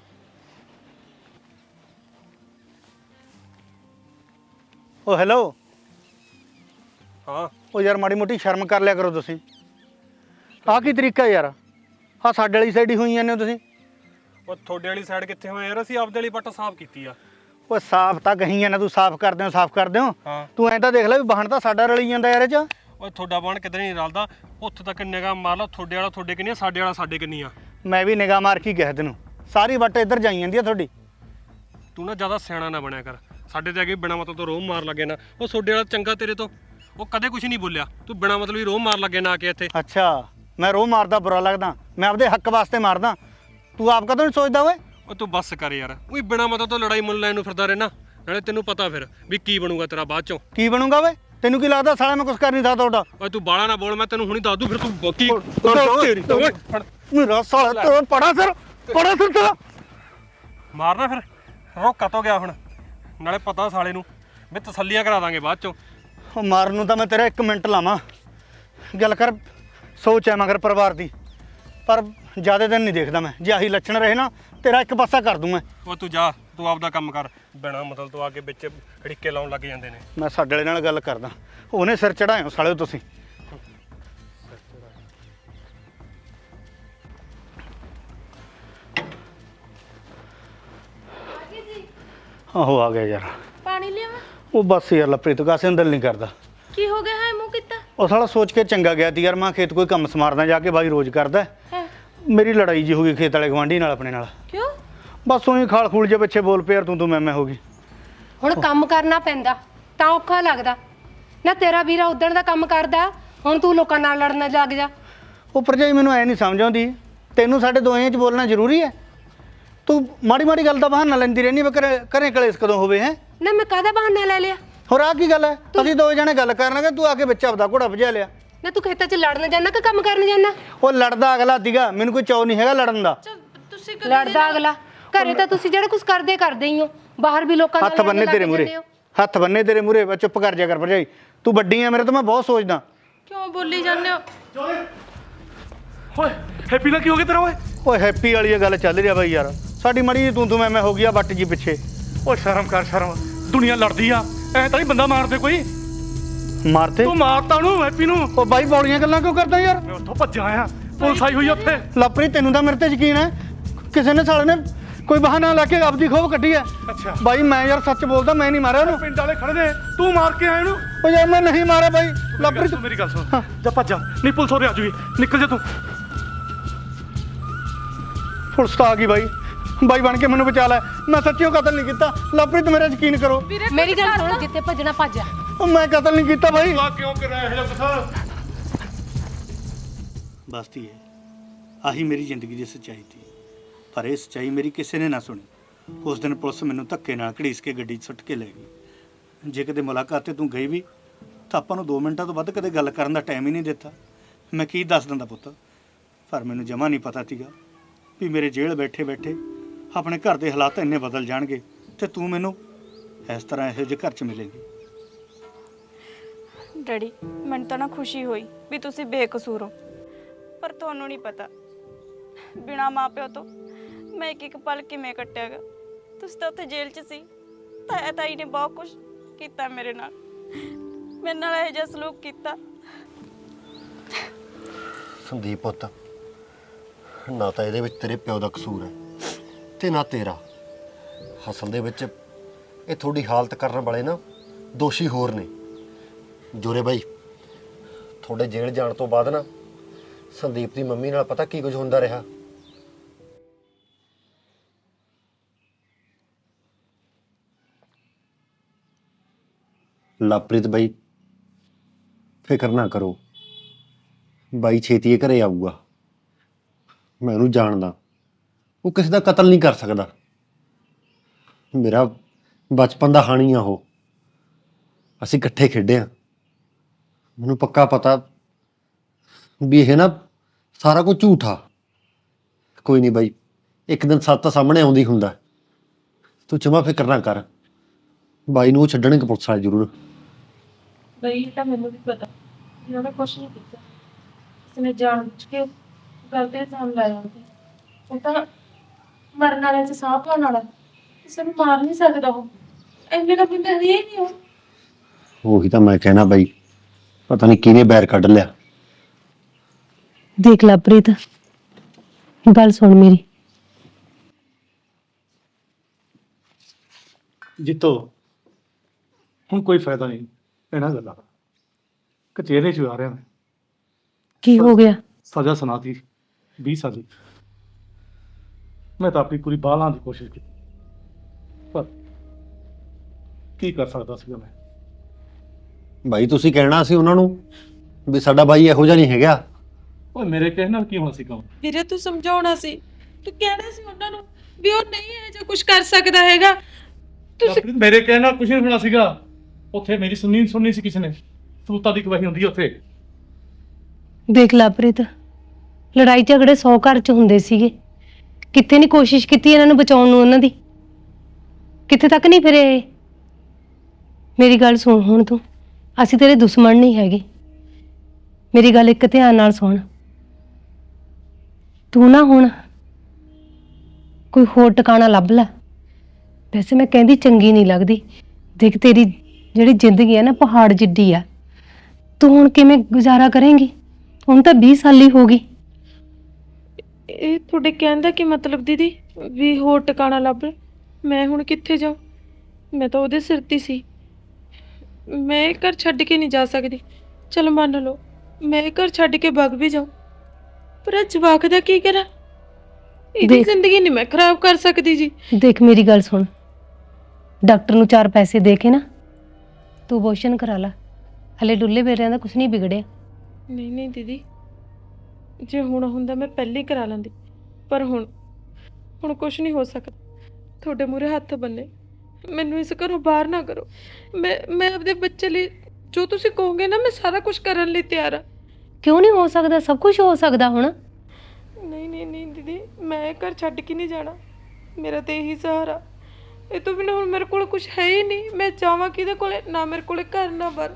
C: ਉਹ ਹੈਲੋ।
D: ਹਾਂ
C: ਉਹ ਯਾਰ ਮਾੜੀ ਮੋਟੀ ਸ਼ਰਮ ਕਰ ਲਿਆ ਕਰੋ ਤੁਸੀਂ। ਆਹ ਕੀ ਤਰੀਕਾ ਯਾਰ? ਆਹ ਸਾਡੇ ਵਾਲੀ ਸਾਈਡ ਹੀ ਹੋਈ ਜਾਂਦੇ ਹੋ ਤੁਸੀਂ।
D: ਉਹ ਤੁਹਾਡੇ ਵਾਲੀ ਸਾਈਡ ਕਿੱਥੇ ਹੋਏ ਯਾਰ? ਅਸੀਂ ਆਪਦੇ ਵਾਲੀ ਪੱਟ ਸਾਫ਼ ਕੀਤੀ ਆ।
C: ਓਏ ਸਾਫ਼ ਤਾਂ ਕਹੀ ਜਾਂਦਾ ਤੂੰ, ਸਾਫ਼ ਕਰਦੇ ਹੋ
D: ਹਾਂ
C: ਤੂੰ ਐਂ ਤਾਂ ਦੇਖ ਲੈ ਵੀ ਵਾਹਣ ਤਾਂ ਸਾਡਾ ਰਲੀ ਜਾਂਦਾ ਯਾਰ ਇਹ ਚ।
D: ਓਏ ਤੁਹਾਡਾ ਬਾਣ ਕਿਤੇ ਨਹੀਂ ਰਲਦਾ, ਉੱਥੇ ਤੱਕ ਨਿਗਾਹ ਮਾਰ ਲਾ, ਤੁਹਾਡੇ ਵਾਲਾ ਤੁਹਾਡੇ ਕਿੰਨੀ ਆ, ਸਾਡੇ ਵਾਲਾ ਸਾਡੇ ਕਿੰਨੀ ਆ।
C: ਮੈਂ ਵੀ ਨਿਗਾਹ ਮਾਰ ਕੇ ਕਿਹਾ ਤੈਨੂੰ, ਸਾਰੀ ਵੱਟ ਇੱਧਰ ਜਾਈ ਜਾਂਦੀ ਆ ਤੁਹਾਡੀ।
D: ਤੂੰ ਨਾ ਜ਼ਿਆਦਾ ਸਿਆਣਾ ਨਾ ਬਣਿਆ ਕਰ, ਸਾਡੇ ਤੇ ਆ ਕੇ ਬਿਨਾਂ ਮਤਲਬ ਤੋਂ ਰੋਹ ਮਾਰ ਲੱਗੇ ਨਾ। ਉਹ ਤੁਹਾਡੇ ਵਾਲਾ ਚੰਗਾ ਤੇਰੇ ਤੋਂ, ਉਹ ਕਦੇ ਕੁਝ ਨਹੀਂ ਬੋਲਿਆ, ਤੂੰ ਬਿਨਾਂ ਮਤਲਬ ਹੀ ਰੋਹ ਮਾਰ ਲੱਗੇ ਨਾ ਆ ਕੇ ਇੱਥੇ।
C: ਅੱਛਾ ਮੈਂ ਰੋਹ ਮਾਰਦਾ ਬੁਰਾ ਲੱਗਦਾ, ਮੈਂ ਆਪਦੇ ਹੱਕ ਵਾਸਤੇ ਮਾਰਦਾ, ਤੂੰ ਆਪ ਕਦੋਂ ਨਹੀਂ ਸੋਚਦਾ ਓਏ?
D: ਓਏ ਤੂੰ ਬੱਸ ਕਰ ਯਾਰ, ਉਹੀ ਬਿਨਾਂ ਮਤਲਬ ਤੋਂ ਲੜਾਈ ਮੁੱਲ ਲੈਣ ਨੂੰ ਫਿਰਦਾ ਰਹਿਣਾ, ਨਾਲੇ ਤੈਨੂੰ ਪਤਾ ਫਿਰ ਵੀ ਕੀ ਬਣੂਗਾ ਤੇਰਾ ਬਾਅਦ ਚੋਂ।
C: ਕੀ ਬਣੂਗਾ ਓਏ? ਤੈਨੂੰ ਕੀ ਲੱਗਦਾ ਸਾਲਾ ਮੈਂ ਕੁਝ ਕਰ ਨਹੀਂ ਸਕਦਾ ਤੁਹਾਡਾ?
D: ਓਏ ਤੂੰ ਬਾਲਾ ਨਾ ਬੋਲ, ਮੈਂ ਤੈਨੂੰ ਹੁਣੀ ਦੱਸ ਦੂੰ, ਫਿਰ ਤੂੰ ਕੀ
C: ਤੇਰੀ
D: ਓਏ ਫੜ।
C: ਮੇਰਾ ਸਾਲਾ ਤੇਰਾ ਪੜਾ ਸਿਰ ਤੇਰਾ।
D: ਮਾਰਨਾ ਫਿਰ, ਰੋਕਾ ਤੋਂ ਗਿਆ ਹੁਣ, ਨਾਲੇ ਪਤਾ ਸਾਲੇ ਨੂੰ ਵੀ ਤਸੱਲੀਆਂ ਕਰਾ ਦਾਂਗੇ ਬਾਅਦ ਚੋਂ।
C: ਉਹ ਮਾਰਨ ਨੂੰ ਤਾਂ ਮੈਂ ਤੇਰਾ 1 ਮਿੰਟ ਲਾਵਾਂ, ਗੱਲ ਕਰ, ਸੋਚ ਐ ਮਗਰ ਪਰਿਵਾਰ ਦੀ, ਪਰ ਜ਼ਿਆਦਾ ਦਿਨ ਨਹੀਂ ਦੇਖਦਾ ਮੈਂ, ਜੇ ਆਹੀ ਲੱਛਣ ਰਹੇ ਨਾ ਤੇਰਾ ਇੱਕ ਪਾਸਾ ਕਰ ਦੂੰ ਮੈਂ।
D: ਉਹ ਤੂੰ ਜਾ, ਤੂੰ ਆਪਦਾ ਕੰਮ ਕਰ, ਬਿਨਾਂ ਮਤਲਬ ਤੋਂ ਆ ਕੇ ਵਿੱਚ ਢਿੱਕੇ ਲਾਉਣ ਲੱਗ ਜਾਂਦੇ ਨੇ।
C: ਮੈਂ ਸਾਡੇ ਵਾਲੇ ਨਾਲ ਗੱਲ ਕਰਦਾ, ਉਹਨੇ ਸਿਰ ਚੜਾਇਓ ਸਾਲਿਓ ਤੁਸੀਂ। ਆਹੋ ਆ ਗਿਆ ਯਾਰ।
H: ਪਾਣੀ ਲਿਆਵਾਂ?
C: ਉਹ ਬਸ ਯਾਰ ਲਪ੍ਰੀਤ ਕਾਸੇ ਅੰਦਰ ਨਹੀਂ ਕਰਦਾ।
H: ਕੀ ਹੋ ਗਿਆ ਹੈ ਮੂੰਹ ਕੀਤਾ?
C: ਉਹ ਸਾਲਾ ਸੋਚ ਕੇ ਚੰਗਾ ਗਿਆ ਤੀ ਯਾਰ, ਮੈਂ ਖੇਤ ਕੋਈ ਕੰਮ ਸਮਾਰਦਾ ਜਾ ਕੇ, ਬਾਈ ਰੋਜ਼ ਕਰਦਾ।
H: ਹੈ
C: ਮੇਰੀ ਲੜਾਈ ਜੀ ਹੋ ਗਈ ਖੇਤ ਵਾਲੇ ਗਵਾਂਢੀ ਨਾਲ ਆਪਣੇ ਨਾਲ,
H: ਕਿਉਂ?
C: ਬਸ ਉਹੀ ਖਾਲ ਖੂਲ ਜੇ ਪਿੱਛੇ ਬੋਲ ਪਿਆ, ਤੂੰ ਮੈਂ ਹੋ ਗਈ।
B: ਹੁਣ ਕੰਮ ਕਰਨਾ ਪੈਂਦਾ ਤਾਂ ਔਖਾ ਲੱਗਦਾ ਨਾ। ਤੇਰਾ ਵੀਰਾ ਉਦਣ ਦਾ ਕੰਮ ਕਰਦਾ, ਹੁਣ ਤੂੰ ਲੋਕਾਂ ਨਾਲ ਲੜਨ ਲੱਗ ਜਾ।
C: ਉਹ ਭਰਜਾਈ ਮੈਨੂੰ ਐ ਨਹੀਂ ਸਮਝ ਆਉਂਦੀ, ਤੈਨੂੰ ਸਾਡੇ ਦੋਹਾਂ 'ਚ ਬੋਲਣਾ ਜ਼ਰੂਰੀ ਹੈ? ਤੂੰ ਮਾੜੀ ਮਾੜੀ ਗੱਲ ਦਾ ਬਹਾਨਾ ਲੈਂਦੀ ਰਹਿੰਦੀ, ਮੈਂ ਘਰੇ ਕਲੇਸ਼ ਕਦੋਂ ਹੋਵੇ ਹੈ?
B: ਨਾ ਮੈਂ ਕਾਹਦਾ ਬਹਾਨਾ ਲੈ ਲਿਆ?
C: ਹੋਰ ਆ ਕੀ ਗੱਲ ਹੈ? ਅਸੀਂ ਦੋਵੇਂ ਜਣੇ ਗੱਲ ਕਰਨ ਲੱਗੇ, ਤੂੰ ਆ ਕੇ ਵਿੱਚ ਆਪਦਾ ਘੋੜਾ ਭਜਾ ਲਿਆ।
B: ਨਾ ਤੂੰ ਖੇਤਾਂ 'ਚ ਲੜਨ ਜਾਣਾ ਕਿ ਕੰਮ ਕਰਨ ਜਾਣਾ?
C: ਉਹ ਲੜਦਾ ਅਗਲਾ ਸੀਗਾ, ਮੈਨੂੰ ਕੋਈ ਚਾਅ ਨਹੀਂ ਹੈਗਾ ਲੜਨ ਦਾ।
H: ਤੁਸੀਂ
B: ਲੜਦਾ ਅਗਲਾ, ਘਰੇ ਤਾਂ ਤੁਸੀਂ ਜਿਹੜਾ ਕੁਝ ਕਰਦੇ ਹੀ ਹੋ, ਬਾਹਰ ਵੀ ਲੋਕਾਂ ਨਾਲ
C: ਹੱਥ ਬੰਨੇ ਤੇਰੇ ਮੂਰੇ, ਹੱਥ ਬੰਨੇ ਤੇਰੇ ਮੂਰੇ, ਚੁੱਪ ਕਰ ਜਾ ਕਰ ਭਰਜਾਈ, ਤੂੰ ਵੱਡੀ ਆ ਮੇਰੇ ਤੋਂ, ਮੈਂ ਬਹੁਤ ਸੋਚਦਾ।
H: ਕਿਉਂ ਬੋਲੀ ਜਾਂਦੇ ਹੋ?
A: ਓਏ ਹੈਪੀ ਨਾਲ ਕੀ ਹੋ ਗਿਆ ਤੇਰਾ ਓਏ?
C: ਓਏ ਹੈਪੀ ਵਾਲੀ ਇਹ ਗੱਲ ਚੱਲ ਰਹੀ ਆ ਬਾਈ ਯਾਰ, ਸਾਡੀ ਮੜੀ ਜੀ ਤੂੰ ਮੈਂ ਹੋ ਗਿਆ ਵੱਟ ਜੀ ਪਿੱਛੇ।
A: ਓਏ ਸ਼ਰਮ ਕਰ ਸ਼ਰਮ, ਦੁਨੀਆ ਲੜਦੀ ਆ, ਐ ਤਾਂ ਨਹੀਂ ਬੰਦਾ ਮਾਰਦੇ ਕੋਈ।
C: ਮਾਰਤੇ
A: ਤੂੰ ਮਾਰਤਾ ਉਹਨੂੰ ਹੈਪੀ ਨੂੰ।
C: ਉਹ ਬਾਈ ਬੌਲੀਆਂ ਗੱਲਾਂ ਕਿਉਂ ਕਰਦਾ ਯਾਰ?
A: ਮੈਂ ਉੱਥੋਂ ਭੱਜਾ ਆਇਆ, ਪੁਲਿਸ ਆਈ ਹੋਈ ਆ ਉੱਥੇ।
C: ਲਵਪ੍ਰੀਤ ਤੈਨੂੰ ਤਾਂ ਮੇਰੇ ਤੇ ਯਕੀਨ ਹੈ, ਕਿਸੇ ਨੇ ਸਾਲੇ ਨੇ ਕੋਈ ਬਹਾਨਾ ਲਾ ਕੇ ਆਪਦੀ ਖੋਬ ਕੱਢੀ ਹੈ।
A: ਅੱਛਾ
C: ਬਾਈ ਮੈਂ ਯਾਰ ਸੱਚ ਬੋਲਦਾ, ਮੈਂ ਨਹੀਂ ਮਾਰਿਆ ਉਹਨੂੰ।
A: ਪਿੰਡ ਵਾਲੇ ਖੜੇ ਨੇ, ਤੂੰ ਮਾਰ ਕੇ ਆਇਆ ਇਹਨੂੰ।
C: ਉਹ ਯਾਰ ਮੈਂ ਨਹੀਂ ਮਾਰਿਆ ਬਾਈ। ਲਵਪ੍ਰੀਤ
A: ਮੇਰੀ ਗੱਲ ਸੁਣ, ਜਾ ਭੱਜ ਜਾ, ਨਹੀਂ ਪੁਲਿਸ ਹੋਰੇ ਆ ਜੂਗੀ, ਨਿਕਲ ਜਾ ਤੂੰ।
C: ਪੁਲਿਸ ਤਾਂ ਆ ਗਈ ਬਾਈ, ਬਾਈ ਬਣ ਕੇ ਮੈਨੂੰ ਬਚਾ ਲੈ, ਮੈਂ ਸੱਚੀਓ ਕਤਲ ਨਹੀਂ ਕੀਤਾ। ਲਵਪ੍ਰੀਤ ਮੇਰਾ ਯਕੀਨ ਕਰੋ,
B: ਮੇਰੀ ਗੱਲ ਸੁਣ, ਜਿੱਥੇ ਭੱਜਣਾ ਭੱਜ ਜਾ।
C: ਉਹ ਮੈਂ ਕਤਲ ਨਹੀਂ ਕੀਤਾ ਬਾਈ।
A: ਆ ਕਿਉਂ ਕਰਿਆ ਇਹ ਜਿਹਾ ਕੁਛ?
C: ਬਸਤੀ ਹੈ, ਆਹੀ ਮੇਰੀ ਜ਼ਿੰਦਗੀ ਦੀ ਸੱਚਾਈ ਸੀ, ਪਰ ਇਹ ਸੱਚਾਈ ਮੇਰੀ ਕਿਸੇ ਨੇ ਨਾ ਸੁਣੀ। ਉਸ ਦਿਨ ਪੁਲਿਸ ਮੈਨੂੰ ਧੱਕੇ ਨਾਲ ਘੜੀਸ ਕੇ ਗੱਡੀ 'ਚ ਸੁੱਟ ਕੇ ਲੈ ਗਈ। ਜੇ ਕਿਤੇ ਮੁਲਾਕਾਤ ਤੇ ਤੂੰ ਗਈ ਵੀ ਤਾਂ ਆਪਾਂ ਨੂੰ 2 ਮਿੰਟਾਂ ਤੋਂ ਵੱਧ ਕਦੇ ਗੱਲ ਕਰਨ ਦਾ ਟਾਈਮ ਹੀ ਨਹੀਂ ਦਿੱਤਾ। ਮੈਂ ਕੀ ਦੱਸ ਦਿੰਦਾ ਪੁੱਤ, ਪਰ ਮੈਨੂੰ ਜਮਾ ਨਹੀਂ ਪਤਾ ਸੀਗਾ ਵੀ ਮੇਰੇ ਜੇਲ੍ਹ ਬੈਠੇ ਬੈਠੇ ਆਪਣੇ ਘਰ ਦੇ ਹਾਲਾਤ ਇੰਨੇ ਬਦਲ ਜਾਣਗੇ ਤੇ ਤੂੰ ਮੈਨੂੰ ਇਸ ਤਰ੍ਹਾਂ ਇਹੋ ਜਿਹੇ ਘਰ 'ਚ ਮਿਲੇਂਗੀ।
F: ਡੈਡੀ, ਮੈਨੂੰ ਤਾਂ ਨਾ ਖੁਸ਼ੀ ਹੋਈ ਵੀ ਤੁਸੀਂ ਬੇਕਸੂਰ ਹੋ, ਪਰ ਤੁਹਾਨੂੰ ਨਹੀਂ ਪਤਾ ਬਿਨਾਂ ਮਾਪਿਓ ਤੋਂ ਮੈਂ ਇੱਕ ਪਲ ਕਿਵੇਂ ਕੱਟਿਆਗਾ। ਤੁਸੀਂ ਤਾਂ ਉੱਥੇ ਜੇਲ੍ਹ 'ਚ ਸੀ, ਤਾਈ ਨੇ ਬਹੁਤ ਕੁਝ ਕੀਤਾ ਮੇਰੇ ਨਾਲ ਇਹੋ ਜਿਹਾ ਸਲੂਕ ਕੀਤਾ।
E: ਸੰਦੀਪ ਪੁੱਤ, ਨਾ ਤਾਂ ਇਹਦੇ ਵਿੱਚ ਤੇਰੇ ਪਿਓ ਦਾ ਕਸੂਰ ਹੈ ਤੇ ਨਾ ਤੇਰਾ। ਅਸਲ ਦੇ ਵਿੱਚ ਇਹ ਤੁਹਾਡੀ ਹਾਲਤ ਕਰਨ ਵਾਲੇ ਨਾ ਦੋਸ਼ੀ ਹੋਰ ਨੇ। ਜੋਰੇ ਬਾਈ, ਤੁਹਾਡੇ ਜੇਲ੍ਹ ਜਾਣ ਤੋਂ ਬਾਅਦ ਨਾ ਸੰਦੀਪ ਦੀ ਮੰਮੀ ਨਾਲ ਪਤਾ ਕੀ ਕੁਝ ਹੁੰਦਾ ਰਿਹਾ। ਲਵਪ੍ਰੀਤ ਬਾਈ, ਫਿਕਰ ਨਾ ਕਰੋ, ਬਾਈ ਛੇਤੀ ਇਹ ਘਰੇ ਆਊਗਾ। ਮੈਂ ਉਹਨੂੰ ਜਾਣਦਾ, ਉਹ ਕਿਸੇ ਦਾ ਕਤਲ ਨਹੀਂ ਕਰ ਸਕਦਾ। ਮੇਰਾ ਬਚਪਨ ਦਾ ਹਾਣੀ ਆ ਉਹ, ਅਸੀਂ ਇਕੱਠੇ ਖੇਡੇ ਆ। ਮੈਨੂੰ ਪੱਕਾ ਪਤਾ ਵੀ ਇਹ ਨਾ ਸਾਰਾ ਕੁਝ ਝੂਠ ਆ। ਕੋਈ ਨਹੀਂ ਬਾਈ, ਇੱਕ ਦਿਨ ਸੱਚ ਤਾਂ ਸਾਹਮਣੇ ਆਉਂਦੀ ਹੁੰਦਾ। ਤੂੰ ਜਮਾ ਫਿਕਰ ਨਾ ਕਰ, ਬਾਈ ਨੂੰ ਉਹ ਛੱਡਣਗੇ ਪੁਲਿਸ ਵਾਲੇ ਜ਼ਰੂਰ।
G: ਬਈ ਤਾਂ ਮੈਨੂੰ ਵੀ ਪਤਾ ਇਹਨਾਂ ਨੇ ਕੁਛ ਨਹੀਂ ਕੀਤਾ, ਇਸਨੇ ਜਾਣ ਬੁੱਝ ਕੇ ਗਲਤ ਇਲਜ਼ਾਮ ਲਾਇਆ। ਉਹ ਤਾਂ ਮਰਨ ਵਾਲੇ ਚ ਸਾਹ ਪਾਉਣ ਵਾਲਾ, ਕਿਸੇ ਨੂੰ ਮਾਰ ਨਹੀਂ ਸਕਦਾ। ਉਹ ਐਵੇਂ ਦਾ ਬੰਦਾ ਹੈ ਹੀ ਨਹੀਂ। ਉਹ
E: ਉਹੀ ਤਾਂ ਮੈਂ ਕਹਿਣਾ ਬਾਈ, ਪਤਾ ਨਹੀਂ ਕਿਹਨੇ ਬੈਰ ਕੱਢ ਲਿਆ।
B: ਦੇਖ ਲਵਪ੍ਰੀਤ, ਗੱਲ ਸੁਣ ਮੇਰੀ।
A: ਜਿੱਤੋ ਹੁਣ ਕੋਈ ਫਾਇਦਾ ਨਹੀਂ ਇਹਨਾਂ ਗੱਲਾਂ ਦਾ। ਕਚਹਿਰੀ 'ਚ ਆ ਰਿਹਾ ਮੈਂ,
B: ਕੀ ਹੋ ਗਿਆ?
A: ਸਜ਼ਾ ਸੁਣਾਤੀ 20 ਸਾਲ ਦੀ। ਮੈਂ ਤਾਂ ਆਪਣੀ ਪੂਰੀ ਬਾਹ ਲਾਉਣ ਦੀ ਕੋਸ਼ਿਸ਼ ਕੀਤੀ, ਪਰ ਕੀ ਕਰ ਸਕਦਾ ਸੀਗਾ ਮੈਂ।
E: ਬਾਈ ਤੁਸੀਂ ਕਹਿਣਾ ਸੀ ਉਹਨਾਂ ਨੂੰ ਵੀ ਸਾਡਾ ਬਾਈ ਇਹੋ ਜਿਹਾ ਨਹੀਂ ਹੈਗਾ।
A: ਓਏ ਮੇਰੇ ਕਹਿਣ ਨਾਲ ਕੀ ਹੋਣਾ ਸੀ ਕੰਮ?
G: ਵੀਰੇ ਤੂੰ ਸਮਝਾਉਣਾ ਸੀ, ਤੂੰ ਕਹਿਣਾ ਸੀ ਉਹਨਾਂ ਨੂੰ ਵੀ ਉਹ ਨਹੀਂ ਇਹ ਜਿਹਾ ਕੁਝ ਕਰ ਸਕਦਾ ਹੈਗਾ।
A: ਲਵਪ੍ਰੀਤ, ਮੇਰੇ ਕਹਿਣ ਨਾਲ ਕੁਝ ਨਹੀਂ ਹੋਣਾ ਸੀਗਾ। ਉੱਥੇ ਮੇਰੀ ਸੁਣਨੀ ਸੀ ਕਿਸੇ ਨੇ। ਸਬੂਤਾਂ ਦੀ ਗਵਾਹੀ ਹੁੰਦੀ ਹੈ ਉੱਥੇ।
B: ਦੇਖ ਲਵਪ੍ਰੀਤ, ਲੜਾਈ ਝਗੜੇ 100 ਘਰ 'ਚ ਹੁੰਦੇ ਸੀਗੇ। ਕਿੱਥੇ ਨਹੀਂ ਕੋਸ਼ਿਸ਼ ਕੀਤੀ ਇਹਨਾਂ ਨੂੰ ਬਚਾਉਣ ਨੂੰ, ਉਹਨਾਂ ਦੀ ਕਿੱਥੇ ਤੱਕ ਨਹੀਂ ਫਿਰੇ ਇਹ। ਮੇਰੀ ਗੱਲ ਸੁਣ ਹੁਣ ਤੂੰ, ਅਸੀਂ ਤੇਰੇ ਦੁਸ਼ਮਣ ਨਹੀਂ ਹੈਗੇ। ਮੇਰੀ ਗੱਲ ਇੱਕ ਧਿਆਨ ਨਾਲ ਸੁਣ। ਤੂੰ ਨਾ ਹੁਣ ਕੋਈ ਹੋਰ ਟਿਕਾਣਾ ਲੱਭ ਲੈ। ਵੈਸੇ ਮੈਂ ਕਹਿੰਦੀ ਚੰਗੀ ਨਹੀਂ ਲੱਗਦੀ। ਦੇਖ ਤੇਰੀ ਜਿਹੜੀ ਜ਼ਿੰਦਗੀ ਹੈ ਨਾ ਪਹਾੜ ਜਿੱਡੀ ਆ। ਤੂੰ ਹੁਣ ਕਿਵੇਂ ਗੁਜ਼ਾਰਾ ਕਰੇਂਗੀ? ਹੁਣ ਤਾਂ 20 ਸਾਲੀ ਹੋ ਗਈ।
G: ਇਹ ਤੁਹਾਡੇ ਕਹਿਣ ਦਾ ਕੀ ਮਤਲਬ ਦੀਦੀ ਵੀ ਹੋਰ ਟਿਕਾਣਾ ਲੱਭ ਲੈ? ਮੈਂ ਹੁਣ ਕਿੱਥੇ ਜਾਵਾਂ? ਮੈਂ ਤਾਂ ਉਹਦੇ ਸਿਰ ਤੇ ਸੀ। ਮੈਂ ਇਹ ਘਰ ਛੱਡ ਕੇ ਨਹੀਂ ਜਾ ਸਕਦੀ। ਚਲ ਮੰਨ ਲਓ ਮੈਂ ਇਹ ਘਰ ਛੱਡ ਕੇ ਭੱਗ ਵੀ ਜਾਵਾਂ, ਪਰ ਇਹ ਜਵਾਕ ਦਾ ਕੀ ਕਰਾਂ? ਇਹਦੀ ਜ਼ਿੰਦਗੀ ਨਹੀਂ ਮੈਂ ਖਰਾਬ ਕਰ ਸਕਦੀ ਜੀ।
B: ਦੇਖ ਮੇਰੀ ਗੱਲ ਸੁਣ, ਡਾਕਟਰ ਨੂੰ 4 ਪੈਸੇ ਦੇ ਕੇ ਨਾ ਤੂੰ ਅਬੋਰਸ਼ਨ ਕਰਾ ਲਾ। ਹਲੇ ਡੁੱਲੇ ਬੇਰਿਆਂ ਦਾ ਕੁਝ ਨਹੀਂ ਵਿਗੜਿਆ।
G: ਨਹੀਂ ਨਹੀਂ ਦੀਦੀ, ਜੇ ਹੁਣ ਹੁੰਦਾ ਮੈਂ ਪਹਿਲੇ ਹੀ ਕਰਾ ਲੈਂਦੀ, ਪਰ ਹੁਣ ਕੁਝ ਨਹੀਂ ਹੋ ਸਕਦਾ। ਤੁਹਾਡੇ ਮੂਹਰੇ ਹੱਥ ਬੰਨੇ, ਮੈਨੂੰ ਇਸ ਘਰੋਂ ਬਾਹਰ ਨਾ ਕਰੋ। ਮੈਂ ਆਪਣੇ ਬੱਚੇ ਲਈ ਜੋ ਤੁਸੀਂ ਕਹੋਗੇ ਨਾ ਮੈਂ ਸਾਰਾ ਕੁਝ ਕਰਨ ਲਈ ਤਿਆਰ ਆ।
B: ਕਿਉਂ ਨਹੀਂ ਹੋ ਸਕਦਾ? ਸਭ ਕੁਝ ਹੋ ਸਕਦਾ ਹੁਣ।
G: ਨਹੀਂ ਦੀਦੀ, ਮੈਂ ਇਹ ਘਰ ਛੱਡ ਕੇ ਨਹੀਂ ਜਾਣਾ। ਮੇਰਾ ਤੇ ਇਹੀ ਸਹਾਰਾ। ਇਹ ਤੋਂ ਬਿਨਾਂ ਹੁਣ ਮੇਰੇ ਕੋਲ ਕੁਝ ਹੈ ਹੀ ਨਹੀਂ। ਮੈਂ ਜਾਵਾਂ ਕਿਹਦੇ ਕੋਲੇ? ਨਾ ਮੇਰੇ ਕੋਲੇ ਘਰ ਨਾ ਬਾਰ।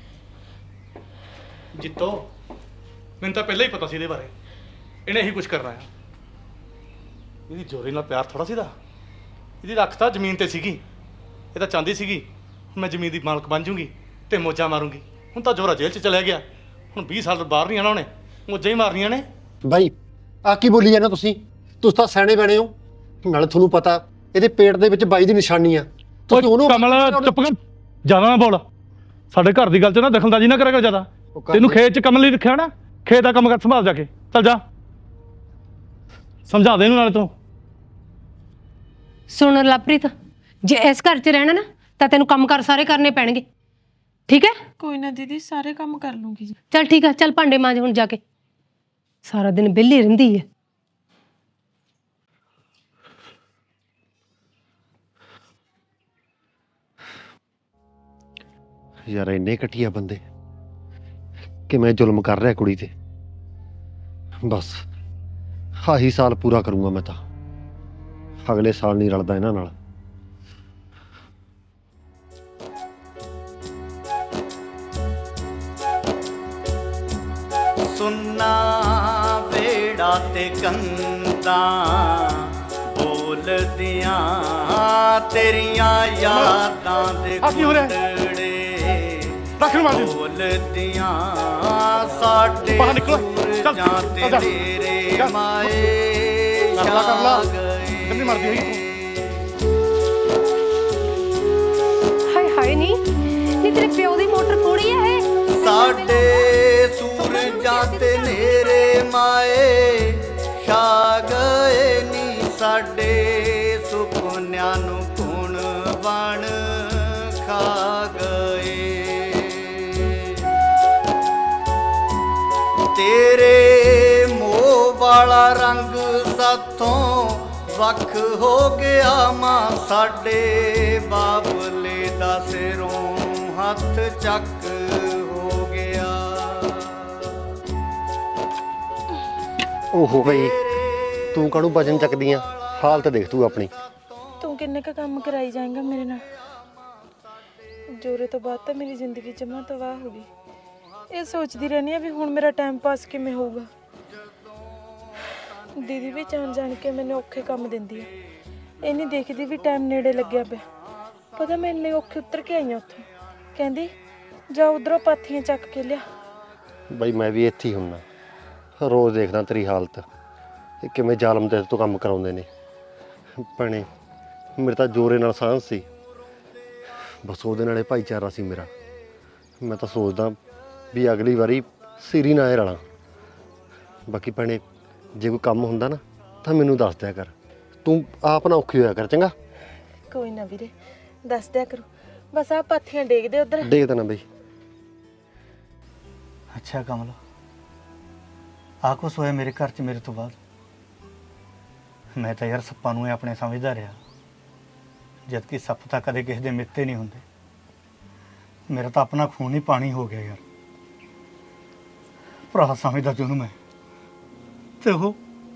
A: ਜਿੱਤੋ ਮੈਨੂੰ ਤਾਂ ਪਹਿਲਾਂ ਹੀ ਪਤਾ ਸੀ ਇਹਦੇ ਬਾਰੇ। ਇਹਨੇ ਇਹੀ ਕੁਝ ਕਰਨਾ ਆ। ਇਹਦੀ ਜੋਰੇ ਨਾਲ ਪਿਆਰ ਥੋੜਾ ਸੀਦਾ। ਇਹਦੀ ਰੱਖ ਤਾਂ ਜ਼ਮੀਨ ਤੇ ਸੀਗੀ। ਇਹ ਤਾਂ ਚਾਹੁੰਦੀ ਸੀਗੀ ਮੈਂ ਜ਼ਮੀਨ ਦੀ ਮਾਲਕ ਬਣ ਜੂੰਗੀ ਤੇ ਮੋਜਾਂ ਮਾਰੂੰਗੀ। ਹੁਣ ਤਾਂ ਜੋਰਾ ਜੇਲ੍ਹ 'ਚ ਚਲਿਆ ਗਿਆ। ਹੁਣ 20 ਸਾਲ ਬਾਹਰ ਨਹੀਂ ਆਣਾ ਉਹਨੇ, ਮੋਜਾਂ ਹੀ ਮਾਰਨੀਆਂ ਨੇ।
E: ਬਾਈ ਆ ਕੀ ਬੋਲੀ ਜਾਂਦੇ ਤੁਸੀਂ ਤਾਂ ਸਿਆਣੇ ਬਣੇ ਹੋ। ਨਾਲੇ ਤੁਹਾਨੂੰ ਪਤਾ ਇਹਦੇ ਪੇਟ ਦੇ ਵਿੱਚ ਬਾਈ ਦੀ ਨਿਸ਼ਾਨੀ ਆ। ਤੁਸੀਂ ਉਹਨੂੰ
A: ਕਮਲ ਚੁੱਪ ਕਰ, ਜ਼ਿਆਦਾ ਨਾ ਬੋਲ। ਸਾਡੇ ਘਰ ਦੀ ਗੱਲ 'ਚ ਨਾ ਦਖਲਅੰਦਾਜ਼ੀ ਨਾ ਕਰਿਆ ਕਰ ਜ਼ਿਆਦਾ। ਤੈਨੂੰ ਖੇਤ 'ਚ ਕੰਮ ਲਈ ਰੱਖਿਆ ਨਾ, ਖੇਤ ਦਾ ਕੰਮ ਕਰ ਸੰਭਾਲ ਜਾ ਕੇ। ਚੱਲ ਜਾ, ਸਮਝਾ ਦੇ ਇਹਨੂੰ ਨਾਲੇ ਤੂੰ।
B: ਸੁਣ ਲਵਪ੍ਰੀਤ, ਜੇ ਇਸ ਘਰ 'ਚ ਰਹਿਣਾ ਨਾ ਤਾਂ ਤੈਨੂੰ ਕੰਮ ਕਰ ਸਾਰੇ ਕਰਨੇ ਪੈਣਗੇ, ਠੀਕ ਹੈ?
G: ਕੋਈ ਨਾ ਦੀਦੀ, ਸਾਰੇ ਕੰਮ ਕਰ ਲੂੰਗੀ ਜੀ।
B: ਚੱਲ ਠੀਕ ਆ, ਚੱਲ ਭਾਂਡੇ ਮਾਂਜ ਹੁਣ ਜਾ ਕੇ। ਸਾਰਾ ਦਿਨ ਵਿਹਲੀ ਰਹਿੰਦੀ ਹੈ।
E: ਯਾਰ ਇੰਨੇ ਘਟੀਆ ਬੰਦੇ ਕਿਵੇਂ ਜ਼ੁਲਮ ਕਰ ਰਿਹਾ ਕੁੜੀ ਤੇ। ਬਸ ਆਹੀ ਸਾਲ ਪੂਰਾ ਕਰੂੰਗਾ ਮੈਂ ਤਾਂ। ਅਗਲੇ ਸਾਲ ਨਹੀਂ ਰਲਦਾ ਇਹਨਾਂ ਨਾਲ।
I: ਸੁੰਨਾ ਵੇੜਾ ਤੇ ਕੰਧਾਂ ਬੋਲਦੀਆਂ ਤੇਰੀਆਂ ਯਾਦਾਂ ਦੇ ਗੁੰਦੜੇ ਬੋਲਦੀਆਂ ਸਾਡੇ ਸੂਰਜਾਂ ਤੇ ਤੇਰੇ ਮਾਏ ਛਾ ਗਏ।
B: ਹਾਏ ਹਾਏ, ਨਹੀਂ ਤੇਰੇ ਪਿਓ ਦੀ ਮੋਟਰ ਥੋੜੀ ਹੈ ਇਹ।
I: ਸਾਡੇ ਸੂਰਜਾਂ ਤੇ ਨੇਰੇ ਮਾਏ ਛਾ ਗਏ ਨੀ। ਸਾਡੇ ਸੁਪਨਿਆਂ ਨੂੰ ਗੁਣ ਬਣ ਖਾ ਗਏ। ਤੇਰੇ ਮੋਹ ਵਾਲਾ ਰੰਗ ਸਾਥੋਂ ਵੱਖ ਹੋ ਗਿਆ ਮਾਂ। ਸਾਡੇ ਬਾਬਲੇ ਦਾ ਸਿਰੋਂ ਹੱਥ ਚੱਕ ਹੋ ਗਿਆ।
E: ਓਹੋ ਬਈ ਤੂੰ ਕਾਹਨੂੰ ਵਜਨ ਚੱਕਦੀ ਆ? ਹਾਲਤ ਦੇਖ ਤੂੰ ਆਪਣੀ।
G: ਤੂੰ ਕਿੰਨੇ ਕ ਕੰਮ ਕਰਾਈ ਜਾਏਂਗਾ ਮੇਰੇ ਨਾਲ? ਜੋਰੇ ਤੋਂ ਬਾਅਦ ਤਾਂ ਮੇਰੀ ਜ਼ਿੰਦਗੀ ਜਮਾਂ ਤਬਾਹ ਹੋ ਗਈ। ਇਹ ਸੋਚਦੀ ਰਹਿੰਦੀ ਆ ਵੀ ਹੁਣ ਮੇਰਾ ਟਾਈਮ ਪਾਸ ਕਿਵੇਂ ਹੋਊਗਾ। ਦੀਦੀ ਵੀ ਜਾਣ ਕੇ ਮੈਨੂੰ ਔਖੇ ਕੰਮ ਦਿੰਦੀ ਆ। ਇਹ ਨਹੀਂ ਦੇਖਦੀ ਵੀ ਟਾਈਮ ਨੇੜੇ ਲੱਗਿਆ ਪਿਆ। ਪਤਾ ਮੈਂ ਇੰਨੇ ਔਖੇ ਉਤਰ ਕੇ ਆਈ ਆ ਉੱਥੋਂ। ਕਹਿੰਦੀ ਜਾ ਉਧਰੋਂ ਪਾਥੀਆਂ ਚੱਕ ਕੇ ਲਿਆ।
E: ਬਾਈ ਮੈਂ ਵੀ ਇੱਥੇ ਹੀ ਹੁੰਨਾ, ਰੋਜ਼ ਦੇਖਦਾ ਤੇਰੀ ਹਾਲਤ। ਇਹ ਕਿਵੇਂ ਜ਼ਾਲਮ ਤੇ ਤੋਂ ਕੰਮ ਕਰਾਉਂਦੇ ਨੇ। ਭੈਣੇ ਮੇਰੇ ਤਾਂ ਜੋਰੇ ਨਾਲ ਸਾਂਝ ਸੀ, ਬਸ ਉਹਦੇ ਨਾਲੇ ਭਾਈਚਾਰਾ ਸੀ ਮੇਰਾ। ਮੈਂ ਤਾਂ ਸੋਚਦਾ ਵੀ ਅਗਲੀ ਵਾਰੀ ਸਿਰ ਹੀ ਨਾ ਇਹ ਰਲਾਂ। ਬਾਕੀ ਭੈਣੇ ਜੇ ਕੋਈ ਕੰਮ ਹੁੰਦਾ ਨਾ ਤਾਂ ਮੈਨੂੰ ਦੱਸ ਦਿਆ ਕਰ, ਤੂੰ ਆਪ ਨਾ ਔਖੀ ਹੋਇਆ ਕਰ, ਚੰਗਾ?
G: ਕੋਈ ਨਾ ਵੀਰੇ, ਦੱਸ ਦਿਆ ਕਰੋ। ਬਸ ਆ ਪਾਥੀਆਂ ਡੇਗਦੇ ਉਧਰ।
E: ਦੇਖ ਦੇਣਾ ਬਈ।
C: ਅੱਛਾ ਕਮਲ, ਆ ਕੁਛ ਹੋਇਆ ਮੇਰੇ ਘਰ 'ਚ ਮੇਰੇ ਤੋਂ ਬਾਅਦ? ਮੈਂ ਤਾਂ ਯਾਰ ਸੱਪਾਂ ਨੂੰ ਹੀ ਆਪਣੇ ਸਮਝਦਾ ਰਿਹਾ, ਜਦ ਕਿ ਸੱਪ ਤਾਂ ਕਦੇ ਕਿਸੇ ਦੇ ਮਿੱਤੇ ਨਹੀਂ ਹੁੰਦੇ। ਮੇਰਾ ਤਾਂ ਆਪਣਾ ਖੂਨ ਹੀ ਪਾਣੀ ਹੋ ਗਿਆ ਯਾਰ। ਭਰਾ ਸਮਝਦਾ ਜਿਹਨੂੰ ਮੈਂ, ਤੇ ਉਹ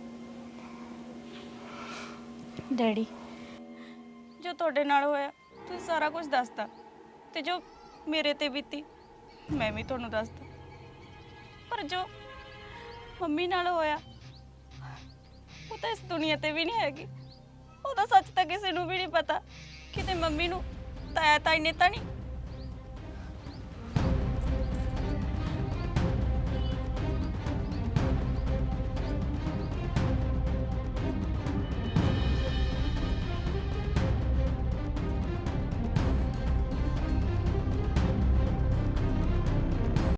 F: ਡੈਡੀ, ਜੋ ਤੁਹਾਡੇ ਨਾਲ ਹੋਇਆ ਤੁਸੀਂ ਸਾਰਾ ਕੁਝ ਦੱਸਤਾ, ਤੇ ਜੋ ਮੇਰੇ ਤੇ ਬੀਤੀ ਮੈਂ ਵੀ ਤੁਹਾਨੂੰ ਦੱਸਦਾ। ਪਰ ਜੋ ਮੰਮੀ ਨਾਲ ਹੋਇਆ ਉਹ ਤਾਂ ਇਸ ਦੁਨੀਆ ਤੇ ਵੀ ਨਹੀਂ ਹੈਗੀ। ਉਹਦਾ ਸੱਚ ਤਾਂ ਕਿਸੇ ਨੂੰ ਵੀ ਨਹੀਂ ਪਤਾ। ਕਿਤੇ ਮੰਮੀ ਨੂੰ ਤਾਇਆ ਤਾਈ ਨੇ ਤਾਂ ਨਹੀਂ